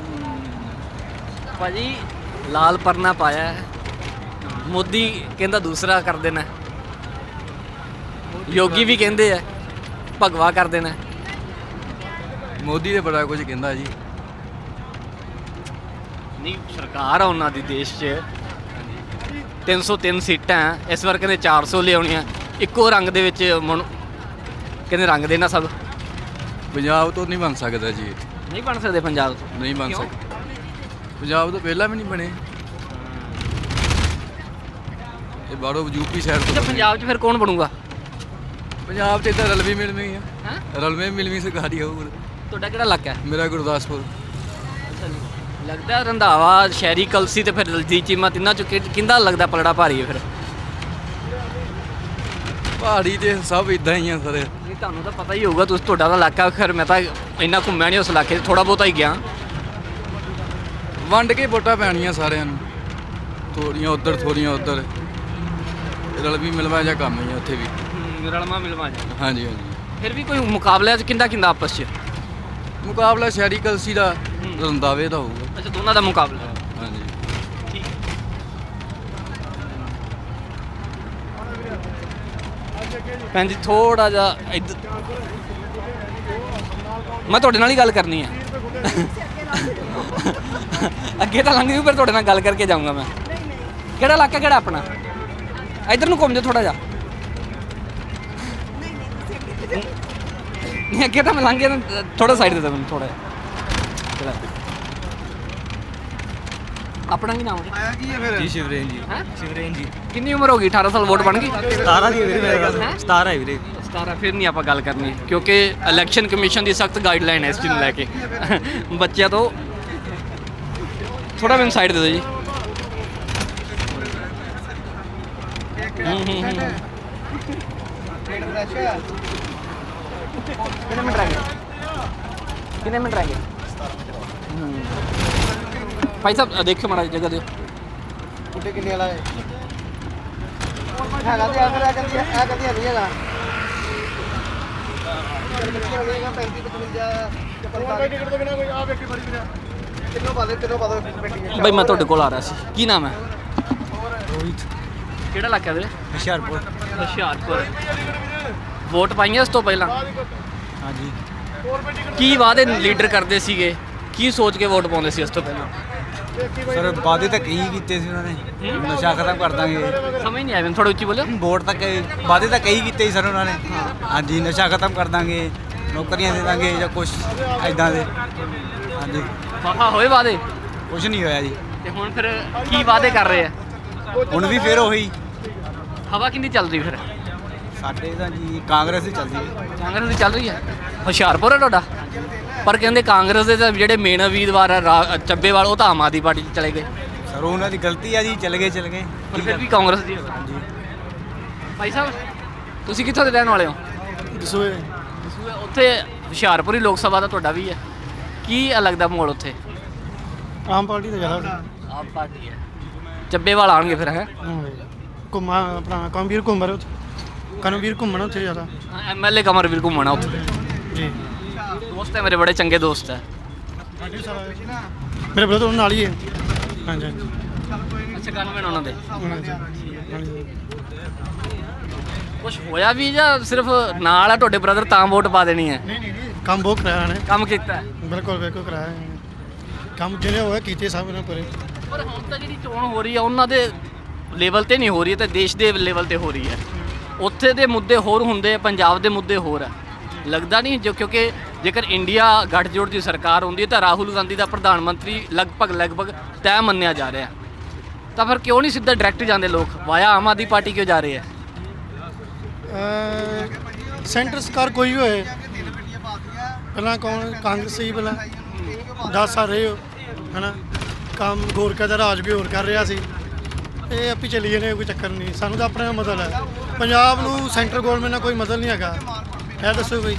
[SPEAKER 2] ਭਾਜੀ ਲਾਲ ਪਰਨਾ ਪਾਇਆ ਹੈ, ਮੋਦੀ ਕਹਿੰਦਾ ਦੂਸਰਾ ਕਰ ਦੇਣਾ, ਯੋਗੀ ਵੀ ਕਹਿੰਦੇ ਆ ਭਗਵਾ ਕਰ ਦੇਣਾ।
[SPEAKER 13] ਮੋਦੀ ਦੇ ਬੜਾ ਕੁਝ ਕਹਿੰਦਾ ਜੀ।
[SPEAKER 2] ਨਹੀਂ ਸਰਕਾਰ ਆ ਉਹਨਾਂ ਦੀ ਦੇਸ਼ 'ਚ, ਤਿੰਨ ਸੌ ਤਿੰਨ ਸੀਟਾਂ ਇਸ ਵਾਰ ਕਹਿੰਦੇ ਚਾਰ ਸੌ ਲਿਆਉਣੀਆਂ, ਇੱਕੋ ਰੰਗ ਦੇ ਵਿੱਚ ਮੁਣ ਕਹਿੰਦੇ ਰੰਗ ਦੇਣਾ ਸਭ।
[SPEAKER 13] ਪੰਜਾਬ ਤੋਂ ਨਹੀਂ ਬਣ ਸਕਦਾ ਜੀ,
[SPEAKER 2] ਨਹੀਂ ਬਣ ਸਕਦੇ ਪੰਜਾਬ ਤੋਂ?
[SPEAKER 13] ਨਹੀਂ ਬਣ ਸਕਦਾ। ਪੰਜਾਬ ਤੋਂ ਪਹਿਲਾਂ ਵੀ ਨਹੀਂ ਬਣੇ, ਇਹ ਬਾਹਰੋਂ ਯੂਪੀ ਸਾਈਡ ਤੋਂ।
[SPEAKER 2] ਪੰਜਾਬ 'ਚ ਫਿਰ ਕੌਣ ਬਣੂਗਾ?
[SPEAKER 13] ਪੰਜਾਬ 'ਚ ਇੱਧਰ ਰਲਵੀਂ ਮਿਲਵੀਂ ਆ, ਰਲਵੇਂ ਮਿਲਵੀਂ ਸਰਕਾਰ ਹੀ ਹੋਊ।
[SPEAKER 2] ਤੁਹਾਡਾ ਕਿਹੜਾ ਇਲਾਕਾ ਹੈ?
[SPEAKER 13] ਮੇਰਾ ਗੁਰਦਾਸਪੁਰ।
[SPEAKER 2] ਅੱਛਾ ਜੀ, ਲੱਗਦਾ ਰੰਧਾਵਾ, ਸ਼ਹਿਰੀ ਕਲਸੀ ਤੇ ਫਿਰ ਦਲਜੀਤ ਚੀਮਾ, ਤਿੰਨਾਂ 'ਚੋਂ ਕਿ- ਕਿਹਦਾ ਲੱਗਦਾ ਪਲੜਾ ਭਾਰੀ ਹੈ ਫਿਰ?
[SPEAKER 13] ਪਹਾੜੀ ਤੇ ਸਭ ਇਦਾਂ ਹੀ ਆ ਸਰ।
[SPEAKER 2] ਨਹੀਂ ਤੁਹਾਨੂੰ ਤਾਂ ਪਤਾ ਹੀ ਹੋਊਗਾ, ਤੁਸੀਂ ਤੁਹਾਡਾ ਤਾਂ ਇਲਾਕਾ, ਖੈਰ ਮੈਂ ਤਾਂ ਇੰਨਾ ਘੁੰਮਿਆ ਨਹੀਂ ਉਸ ਇਲਾਕੇ 'ਚ, ਥੋੜਾ ਬਹੁਤਾ ਹੀ ਗਿਆ।
[SPEAKER 13] ਵੰਡ ਕੇ ਵੋਟਾਂ ਪੈਣੀਆਂ ਸਾਰਿਆਂ ਨੂੰ, ਥੋੜੀਆਂ ਉੱਧਰ ਥੋੜੀਆਂ ਉੱਧਰ, ਰਲਵੀਂ ਮਿਲਵਾ ਜਾਂ ਕੰਮ ਹੀ ਆ ਉੱਥੇ ਵੀ।
[SPEAKER 2] ਰਲਮਾ ਮਿਲਵਾ ਜਾ।
[SPEAKER 13] ਹਾਂਜੀ ਹਾਂਜੀ।
[SPEAKER 2] ਫਿਰ ਵੀ ਕੋਈ ਮੁਕਾਬਲਾ 'ਚ ਕਿੰਦਾ ਕਿੰਦਾ ਆਪਸ 'ਚ?
[SPEAKER 13] ਮੁਕਾਬਲਾ ਸ਼ਹਿਰੀ ਕਲਸੀ ਦਾ, ਰੰਧਾਵੇ ਦਾ ਹੋਊਗਾ।
[SPEAKER 2] ਅੱਛਾ ਦੋਨਾਂ ਦਾ ਮੁਕਾਬਲਾ।
[SPEAKER 13] ਹਾਂਜੀ
[SPEAKER 2] ਠੀਕ। ਭੈਣ ਜੀ ਥੋੜਾ ਜਿਹਾ ਇੱਧਰ, ਮੈਂ ਤੁਹਾਡੇ ਨਾਲ ਹੀ ਗੱਲ ਕਰਨੀ ਹੈ। ਅੱਗੇ ਤਾਂ ਲੰਘ ਜੂ, ਫਿਰ ਤੁਹਾਡੇ ਨਾਲ ਗੱਲ ਕਰਕੇ ਜਾਊਂਗਾ ਮੈਂ। ਕਿਹੜਾ ਇਲਾਕਾ, ਕਿਹੜਾ ਆਪਣਾ? ਇੱਧਰ ਨੂੰ ਘੁੰਮ ਜਾਓ ਥੋੜਾ ਜਿਹਾ। ਨਹੀਂ ਅੱਗੇ ਤਾਂ ਮੈਂ ਲੰਘ ਗਿਆ ਨਾ, ਥੋੜਾ ਸਾਈਡ ਦੇ ਦੇ ਮੈਨੂੰ ਥੋੜਾ ਜਿਹਾ। ਆਪਣਾ ਕੀ ਨਾਮ ਹੈ
[SPEAKER 8] ਜੀ ਸ਼ਿਵਰੇਨ ਜੀ
[SPEAKER 2] ਹੈ?
[SPEAKER 8] ਸ਼ਿਵਰੇਨ ਜੀ
[SPEAKER 2] ਕਿੰਨੀ ਉਮਰ ਹੋ ਗਈ? ਅਠਾਰਾਂ ਸਾਲ ਵੋਟ ਬਣ ਗਈ?
[SPEAKER 8] ਸਤਾਰਾਂ ਦੀ ਹੈ ਵੀਰੇ ਮੇਰੇ ਕੋਲ
[SPEAKER 2] ਹੈਂ?
[SPEAKER 8] ਸਤਾਰਾਂ ਹੈ ਵੀਰੇ
[SPEAKER 2] ਸਤਾਰਾਂ ਫਿਰ ਨਹੀਂ ਆਪਾਂ ਗੱਲ ਕਰਨੀ, ਕਿਉਂਕਿ ਇਲੈਕਸ਼ਨ ਕਮਿਸ਼ਨ ਦੀ ਸਖਤ ਗਾਈਡਲਾਈਨ ਹੈ ਇਸ ਚੀਜ਼ ਨੂੰ ਲੈ ਕੇ। ਬੱਚਿਆਂ ਤੋਂ ਥੋੜਾ ਮੈਨੂੰ ਸਾਈਡ ਦੇ ਦਿਓ ਜੀ। ਹੂੰ ਹੂੰ ਹੂੰ ਕਿੰਨੇ ਮਿੰਟ ਰਹਿ ਗਏ? ਕਿੰਨੇ ਮਿੰਟ ਰਹਿ ਗਏ? ਹੂੰ। ਭਾਈ ਸਾਹਿਬ ਦੇਖਿਓ ਮਾੜਾ ਜਗ੍ਹਾ ਦਿਓ।
[SPEAKER 11] ਕੁੱਡੇ ਕਿੰਨੇ ਵਾਲਾ ਹੈ ਹੈਗਾ ਤੇ ਆ ਫਿਰ ਆ ਕਰਦੀ ਆ ਕਰਦੀ ਨਹੀਂ ਹੈਗਾ ਪੈਂਤੀ ਪਚਵੰਜਾ
[SPEAKER 6] ਟਿਕਟ ਤੋਂ ਬਿਨਾ ਕੋਈ ਆ ਵੇਖੀ ਬੜੀ ਵੀਰੇ
[SPEAKER 11] ਕਿੰਨੋਂ ਪਾ ਦੇ ਤਿੰਨੋਂ ਪਾ ਦੋ ਬੈਠੀ
[SPEAKER 2] ਭਾਈ ਮੈਂ ਤੁਹਾਡੇ ਕੋਲ ਆ ਰਿਹਾ ਸੀ, ਕੀ ਨਾਮ ਹੈ?
[SPEAKER 7] ਰੋਹਿਤ
[SPEAKER 2] ਕਿਹੜਾ ਇਲਾਕਾ ਵੀਰੇ?
[SPEAKER 7] ਹੁਸ਼ਿਆਰਪੁਰ।
[SPEAKER 2] ਹੁਸ਼ਿਆਰਪੁਰ। ਵੋਟ ਪਾਈਆਂ ਇਸ ਤੋਂ ਪਹਿਲਾਂ?
[SPEAKER 7] ਹਾਂਜੀ।
[SPEAKER 2] ਕੀ ਵਾਅਦੇ ਲੀਡਰ ਕਰਦੇ ਸੀਗੇ, ਕੀ ਸੋਚ ਕੇ ਵੋਟ ਪਾਉਂਦੇ ਸੀ ਇਸ ਤੋਂ ਪਹਿਲਾਂ?
[SPEAKER 7] ਸਰ ਵਾਅਦੇ ਤਾਂ ਕਈ ਕੀਤੇ ਸੀ ਉਹਨਾਂ ਨੇ, ਨਸ਼ਾ ਖਤਮ ਕਰ ਦਾਂਗੇ।
[SPEAKER 2] ਸਮਝ ਨਹੀਂ ਆਇਆ ਮੈਨੂੰ, ਥੋੜਾ ਉੱਚੀ ਬੋਲਿਓ।
[SPEAKER 7] ਵੋਟ ਤਾਂ ਕਈ ਵਾਅਦੇ ਤਾਂ ਕਈ ਕੀਤੇ ਸੀ ਸਰ ਉਹਨਾਂ ਨੇ। ਹਾਂਜੀ, ਨਸ਼ਾ ਖਤਮ ਕਰ ਦਾਂਗੇ, ਨੌਕਰੀਆਂ ਦੇ ਦਾਂਗੇ ਜਾਂ ਕੁਛ ਐਦਾਂ ਦੇ। ਹਾਂਜੀ।
[SPEAKER 2] ਵਾਹ ਹੋਏ ਵਾਅਦੇ?
[SPEAKER 7] ਕੁਛ ਨਹੀਂ ਹੋਇਆ ਜੀ।
[SPEAKER 2] ਤੇ ਹੁਣ ਫਿਰ ਕੀ ਵਾਅਦੇ ਕਰ ਰਹੇ ਆ?
[SPEAKER 7] ਹੁਣ ਵੀ ਫਿਰ ਉਹੀ
[SPEAKER 2] ਹਵਾ ਕਿੰਨੀ ਚੱਲ ਰਹੀ ਫਿਰ?
[SPEAKER 7] ਸਾਡੇ ਤਾਂ ਜੀ ਕਾਂਗਰਸ ਹੀ ਚੱਲਦੀ ਹੈ।
[SPEAKER 2] ਕਾਂਗਰਸ ਦੀ ਚੱਲ ਰਹੀ ਹੈ। ਹੁਸ਼ਿਆਰਪੁਰ ਹੈ ਤੁਹਾਡਾ? ਪਰ ਕਹਿੰਦੇ ਕਾਂਗਰਸ ਦੇ ਤਾਂ ਜਿਹੜੇ ਮੇਨ ਉਮੀਦਵਾਰ ਆ ਰਾ- ਚੱਬੇਵਾਲ, ਉਹ ਤਾਂ ਆਮ ਆਦਮੀ ਪਾਰਟੀ 'ਚ ਚਲੇ ਗਏ।
[SPEAKER 7] ਸਰ ਉਹਨਾਂ ਦੀ ਗਲਤੀ ਆ ਜੀ, ਚਲ ਗਏ ਚਲ ਗਏ।
[SPEAKER 2] ਪਰ ਫਿਰ ਵੀ ਕਾਂਗਰਸ ਦੀ।
[SPEAKER 7] ਹਾਂਜੀ।
[SPEAKER 2] ਭਾਈ ਸਾਹਿਬ ਤੁਸੀਂ ਕਿੱਥੋਂ ਦੇ ਰਹਿਣ ਵਾਲੇ ਹੋ?
[SPEAKER 6] ਦਸੂਏ
[SPEAKER 2] ਉੱਥੇ ਹੁਸ਼ਿਆਰਪੁਰ ਹੀ ਲੋਕ ਸਭਾ ਦਾ ਤੁਹਾਡਾ ਵੀ ਹੈ, ਕੀ ਲੱਗਦਾ ਮਾਹੌਲ ਉੱਥੇ?
[SPEAKER 6] ਆਮ ਪਾਰਟੀ ਦਾ ਜ਼ਿਆਦਾ
[SPEAKER 2] ਆਮ ਪਾਰਟੀ ਹੈ। ਚੱਬੇਵਾਲ ਆਉਣਗੇ ਫਿਰ ਹੈ?
[SPEAKER 6] ਘੁੰਮਾ ਆਪਣਾ ਕਮਵੀਰ ਘੁੰਮਰ ਉੱਥੇ ਕਨਵੀਰ ਘੁੰਮਣ ਉੱਥੇ ਜ਼ਿਆਦਾ
[SPEAKER 2] ਐਮਐਲਏ ਕਮਰਵੀਰ ਘੁੰਮਣਾ ਉੱਥੇ।
[SPEAKER 6] ਜੀ
[SPEAKER 2] ਦੋਸਤ ਹੈ ਮੇਰੇ, ਬੜੇ ਚੰਗੇ ਦੋਸਤ ਹੈ।
[SPEAKER 6] ਮੇਰੇ ਬ੍ਰਦਰ ਨਾਲ ਹੀ ਹੈ। ਹਾਂਜੀ ਹਾਂਜੀ
[SPEAKER 2] ਅੱਛਾ ਗਨਮੈਨ ਉਹਨਾਂ ਦੇ।
[SPEAKER 6] ਹਾਂਜੀ ਹਾਂਜੀ
[SPEAKER 2] ਕੁਛ ਹੋਇਆ ਵੀ ਜਾਂ ਸਿਰਫ ਨਾਲ ਆ ਤੁਹਾਡੇ ਬ੍ਰਦਰ ਤਾਂ ਵੋਟ ਪਾ ਦੇਣੀ ਹੈ?
[SPEAKER 6] ਨਹੀਂ ਨਹੀਂ ਨਹੀਂ ਕੰਮ ਬਹੁਤ ਕਰਾਇਆ ਨੇ।
[SPEAKER 2] ਕੰਮ ਕੀਤਾ ਹੈ?
[SPEAKER 6] ਬਿਲਕੁਲ ਬਿਲਕੁਲ ਕਰਾਇਆ ਇਹਨੇ। ਕੰਮ ਜਿਹੜੇ ਹੋਇਆ ਕੀਤੇ ਸਭ ਇਹਨਾਂ ਪਰੇ।
[SPEAKER 2] ਪਰ ਹੁਣ ਤਾਂ ਜਿਹੜੀ ਚੋਣ ਹੋ ਰਹੀ ਹੈ ਉਹਨਾਂ ਦੇ ਲੈਵਲ ਤੇ ਨਹੀਂ ਹੋ ਰਹੀ ਹੈ, ਤੇ ਦੇਸ਼ ਦੇ ਲੈਵਲ ਤੇ ਹੋ ਰਹੀ ਹੈ। ਉੱਥੇ ਦੇ ਮੁੱਦੇ ਹੋਰ ਹੁੰਦੇ, ਪੰਜਾਬ ਦੇ ਮੁੱਦੇ ਹੋਰ ਹੈ। ਲੱਗਦਾ ਨਹੀਂ ਜੋ, ਕਿਉਂਕਿ ਜੇਕਰ ਇੰਡੀਆ ਗੱਠਜੋੜ ਦੀ ਸਰਕਾਰ ਹੁੰਦੀ ਹੈ ਤਾਂ ਰਾਹੁਲ ਗਾਂਧੀ ਦਾ ਪ੍ਰਧਾਨ ਮੰਤਰੀ ਲਗਭਗ ਲਗਭਗ ਤੈਅ ਮੰਨਿਆ ਜਾ ਰਿਹਾ, ਤਾਂ ਫਿਰ ਕਿਉਂ ਨਹੀਂ ਸਿੱਧਾ ਡਾਇਰੈਕਟ ਜਾਂਦੇ ਲੋਕ, ਵਾਇਆ ਆਮ ਆਦਮੀ ਪਾਰਟੀ ਕਿਉਂ ਜਾ ਰਹੇ ਹੈ?
[SPEAKER 6] ਸੈਂਟਰ ਸਰਕਾਰ ਕੋਈ ਵੀ ਹੋਏ, ਪਹਿਲਾਂ ਕੌਣ ਕਾਂਗਰਸ ਸੀ, ਪਹਿਲਾਂ ਦਸ ਸਾਲ ਰਹੇ ਹੋ ਹੈ ਨਾ। ਕੰਮ ਗੋਰਖਾ ਦਾ ਰਾਜ ਵੀ ਹੋਰ ਕਰ ਰਿਹਾ ਸੀ। ਇਹ ਆਪੀ ਚੱਲੀ ਜਾਂਦੇ, ਕੋਈ ਚੱਕਰ ਨਹੀਂ। ਸਾਨੂੰ ਤਾਂ ਆਪਣਾ ਮਤਲਬ ਹੈ, ਪੰਜਾਬ ਨੂੰ ਸੈਂਟਰ ਗੌਰਮੈਂਟ ਨਾਲ ਕੋਈ ਮਤਲਬ ਨਹੀਂ ਹੈਗਾ। ਇਹ ਦੱਸੋ ਬਈ,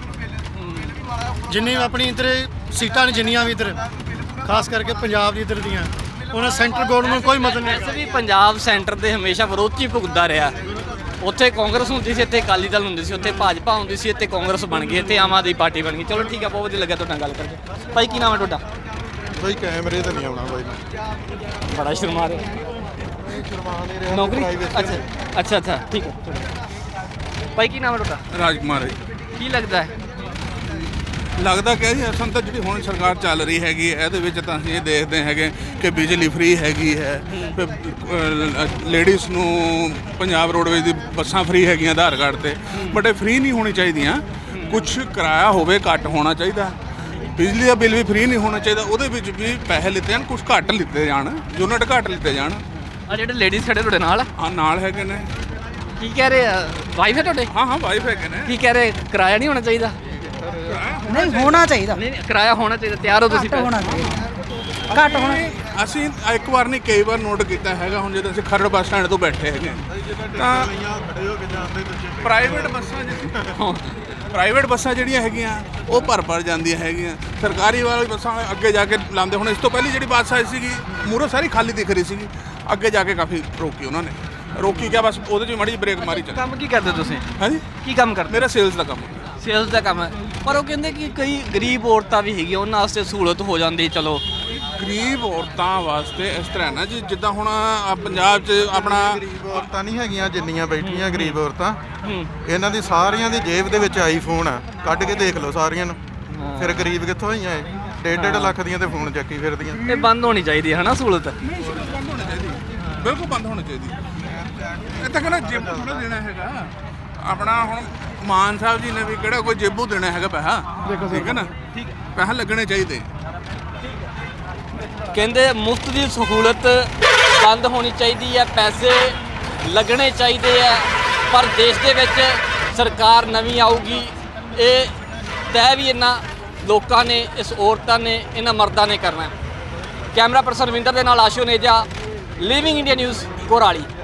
[SPEAKER 6] ਜਿੰਨੀ ਆਪਣੀ ਇੱਧਰ ਸੀਟਾਂ ਨੇ, ਜਿੰਨੀਆਂ ਵੀ ਇੱਧਰ ਖਾਸ ਕਰਕੇ ਪੰਜਾਬ ਦੀ ਇੱਧਰ ਦੀਆਂ, ਉਹਨਾਂ ਸੈਂਟਰ ਗੌਰਮੈਂਟ ਕੋਈ ਮਤਲਬ ਨਹੀਂ
[SPEAKER 2] ਵੈਸੇ
[SPEAKER 6] ਹੈਗਾ।
[SPEAKER 2] ਵੀ ਪੰਜਾਬ ਸੈਂਟਰ ਦੇ ਹਮੇਸ਼ਾ ਵਿਰੋਧ 'ਚ ਹੀ ਭੁਗਤਦਾ ਰਿਹਾ। ਉੱਥੇ ਕਾਂਗਰਸ ਹੁੰਦੀ ਸੀ, ਇੱਥੇ ਅਕਾਲੀ ਦਲ ਹੁੰਦੀ ਸੀ, ਉੱਥੇ ਭਾਜਪਾ ਹੁੰਦੀ ਸੀ, ਇੱਥੇ ਕਾਂਗਰਸ ਬਣ ਗਈ, ਇੱਥੇ ਆਮ ਆਦਮੀ ਪਾਰਟੀ ਬਣ ਗਈ। ਚਲੋ ਠੀਕ ਆ, ਬਹੁਤ ਵਧੀਆ ਲੱਗਿਆ ਤੁਹਾਡੇ ਨਾਲ ਗੱਲ ਕਰਕੇ। ਭਾਈ ਕੀ ਨਾਮ ਹੈ ਤੁਹਾਡਾ?
[SPEAKER 6] ਬਈ ਕੈਮਰੇ ਤਾਂ ਨਹੀਂ ਆਉਣਾ ਬਾਈ,
[SPEAKER 2] ਬੜਾ ਸ਼ਰਮਾ ਰਹੇ। ਨੌਕਰੀ? ਅੱਛਾ ਅੱਛਾ ਅੱਛਾ ਠੀਕ ਹੈ। ਭਾਈ ਕੀ ਨਾਮ ਹੈ ਤੁਹਾਡਾ?
[SPEAKER 1] ਰਾਜਕੁਮਾਰ ਹੈ ਜੀ।
[SPEAKER 2] ਕੀ ਲੱਗਦਾ ਹੈ?
[SPEAKER 1] ਲੱਗਦਾ ਕਿ ਜੀ ਅਸਲ ਤਾਂ ਜਿਹੜੀ ਹੁਣ ਸਰਕਾਰ ਚੱਲ ਰਹੀ ਹੈਗੀ ਹੈ, ਇਹਦੇ ਵਿੱਚ ਤਾਂ ਅਸੀਂ ਇਹ ਦੇਖਦੇ ਹੈਗੇ ਕਿ ਬਿਜਲੀ ਫ੍ਰੀ ਹੈਗੀ ਹੈ, ਲੇਡੀਜ਼ ਨੂੰ ਪੰਜਾਬ ਰੋਡਵੇਜ਼ ਦੀ ਬੱਸਾਂ ਫ੍ਰੀ ਹੈਗੀਆਂ ਆਧਾਰ ਕਾਰਡ ਤੇ, ਬਟ ਇਹ ਫ੍ਰੀ ਨਹੀਂ ਹੋਣੀ ਚਾਹੀਦੀਆਂ। ਕੁਛ ਕਿਰਾਇਆ ਹੋਵੇ, ਘੱਟ ਹੋਣਾ ਚਾਹੀਦਾ। ਬਿਜਲੀ ਦਾ ਬਿੱਲ ਵੀ ਫ੍ਰੀ ਨਹੀਂ ਹੋਣਾ ਚਾਹੀਦਾ, ਉਹਦੇ ਵਿੱਚ ਵੀ ਪੈਸੇ ਲਿੱਤੇ ਜਾਣ, ਕੁਛ ਘੱਟ ਲਿੱਤੇ ਜਾਣ, ਯੂਨਿਟ ਘੱਟ ਲਿੱਤੇ ਜਾਣ।
[SPEAKER 2] ਆ ਜਿਹੜੇ ਲੇਡੀਜ਼ ਖੜੇ ਤੁਹਾਡੇ ਨਾਲ?
[SPEAKER 1] ਹਾਂ ਨਾਲ ਹੈਗੇ ਨੇ।
[SPEAKER 2] ਕੀ ਕਹਿ ਰਹੇ ਆ? ਵਾਈਫ ਹੈ ਤੁਹਾਡੇ?
[SPEAKER 1] ਹਾਂ ਹਾਂ ਵਾਈਫ ਹੈਗੇ ਨੇ।
[SPEAKER 2] ਕੀ ਕਹਿ ਰਹੇ? ਕਿਰਾਇਆ ਨਹੀਂ ਹੋਣਾ ਚਾਹੀਦਾ?
[SPEAKER 11] ਨਹੀਂ ਹੋਣਾ ਚਾਹੀਦਾ।
[SPEAKER 2] ਨਹੀਂ ਕਿਰਾਇਆ ਹੋਣਾ ਚਾਹੀਦਾ। ਤਿਆਰ ਹੋ ਤੁਸੀਂ?
[SPEAKER 11] ਹੋਣਾ ਚਾਹੀਦਾ, ਘੱਟ ਹੋਣਾ।
[SPEAKER 1] ਅਸੀਂ ਇੱਕ ਵਾਰ ਨਹੀਂ ਕਈ ਵਾਰ ਨੋਟ ਕੀਤਾ ਹੈਗਾ। ਹੁਣ ਜਦੋਂ ਅਸੀਂ ਖਰੜ ਬੱਸ ਸਟੈਂਡ ਤੋਂ ਬੈਠੇ ਹੈਗੇ ਤਾਂ ਪ੍ਰਾਈਵੇਟ ਬੱਸਾਂ ਜਿਹੜੀਆਂ ਪ੍ਰਾਈਵੇਟ ਬੱਸਾਂ ਜਿਹੜੀਆਂ ਹੈਗੀਆਂ ਉਹ ਭਰ ਭਰ ਜਾਂਦੀਆਂ ਹੈਗੀਆਂ। ਸਰਕਾਰੀ ਵਾਲੀ ਬੱਸਾਂ ਅੱਗੇ ਜਾ ਕੇ ਲਾਉਂਦੇ। ਹੁਣ ਇਸ ਤੋਂ ਪਹਿਲੀ ਜਿਹੜੀ ਬੱਸ ਆਈ ਸੀਗੀ ਮੂਹਰੋਂ ਸਾਰੀ ਖਾਲੀ ਦਿਖ ਰਹੀ ਸੀਗੀ, ਅੱਗੇ ਜਾ ਕੇ ਕਾਫੀ ਰੋਕੀ ਉਹਨਾਂ ਨੇ। ਰੋਕੀ ਕਿਆ, ਬਸ ਉਹਦੇ 'ਚ ਵੀ ਮਾੜੀ ਜਿਹੀ ਬ੍ਰੇਕ ਮਾਰੀ ਚੱਲ।
[SPEAKER 2] ਕੰਮ ਕੀ ਕਰਦੇ ਤੁਸੀਂ?
[SPEAKER 1] ਹਾਂਜੀ
[SPEAKER 2] ਕੀ ਕੰਮ ਕਰਦੇ?
[SPEAKER 1] ਮੇਰਾ ਸੇਲਸ ਦਾ ਕੰਮ ਹੈ।
[SPEAKER 2] ਸੇਲਸ ਦਾ ਕੰਮ ਹੈ। ਪਰ ਉਹ ਕਹਿੰਦੇ ਕਿ ਕਈ ਗਰੀਬ ਔਰਤਾਂ ਵੀ ਹੈਗੀਆਂ, ਉਹਨਾਂ ਵਾਸਤੇ ਸਹੂਲਤ ਹੋ ਜਾਂਦੀ। ਚਲੋ
[SPEAKER 1] ਗਰੀਬ ਔਰਤਾਂ ਵਾਸਤੇ ਇਸ ਤਰ੍ਹਾਂ ਨਾ ਜੀ, ਜਿੱਦਾਂ ਹੁਣ ਆਹ ਪੰਜਾਬ 'ਚ ਆਪਣਾ
[SPEAKER 14] ਗਰੀਬ ਔਰਤਾਂ ਨਹੀਂ ਹੈਗੀਆਂ ਜਿੰਨੀਆਂ ਬੈਠੀਆਂ ਗਰੀਬ ਔਰਤਾਂ, ਇਹਨਾਂ ਦੀ ਸਾਰੀਆਂ ਦੀ ਜੇਬ ਦੇ ਵਿੱਚ ਆਈਫੋਨ ਆ, ਕੱਢ ਕੇ ਦੇਖ ਲਓ ਸਾਰੀਆਂ ਨੂੰ। ਫਿਰ ਗਰੀਬ ਕਿੱਥੋਂ ਹੋਈਆਂ ਇਹ? ਡੇਢ ਡੇਢ ਲੱਖ ਦੀਆਂ ਤੇ ਫੋਨ ਚੱਕੀ ਫਿਰਦੀਆਂ।
[SPEAKER 2] ਇਹ ਬੰਦ ਹੋਣੀ ਚਾਹੀਦੀ ਹੈ ਨਾ ਸਹੂਲਤ?
[SPEAKER 1] ਬਿਲਕੁਲ ਬੰਦ ਹੋਣੀ ਚਾਹੀਦੀ। ਇਹ ਤਾਂ ਕਹਿੰਦਾ ਜਿਮ ਥੋੜਾ ਦੇਣਾ ਹੈਗਾ।
[SPEAKER 15] ਆਪਣਾ ਹੁਣ ਮਾਨ ਸਾਹਿਬ ਜੀ ਨੇ ਵੀ ਕਿਹੜਾ ਕੋਈ ਜੇਬੂ ਦੇਣਾ ਹੈਗਾ ਪੈਸਾ, ਠੀਕ ਹੈ ਨਾ, ਪੈਸਾ ਲੱਗਣੇ ਚਾਹੀਦੇ।
[SPEAKER 2] ਕਹਿੰਦੇ ਮੁਫਤ ਦੀ ਸਹੂਲਤ ਬੰਦ ਹੋਣੀ ਚਾਹੀਦੀ ਹੈ, ਪੈਸੇ ਲੱਗਣੇ ਚਾਹੀਦੇ ਹੈ, ਪਰ ਦੇਸ਼ ਦੇ ਵਿੱਚ ਸਰਕਾਰ ਨਵੀਂ ਆਊਗੀ ਇਹ ਤੈਅ ਵੀ ਇਹਨਾਂ ਲੋਕਾਂ ਨੇ, ਇਸ ਔਰਤਾਂ ਨੇ, ਇਹਨਾਂ ਮਰਦਾਂ ਨੇ ਕਰਨਾ। ਕੈਮਰਾ ਪਰਸਨ ਰਵਿੰਦਰ ਦੇ ਨਾਲ Ashu Neja, Living India News, ਕੋਰਾਲੀ।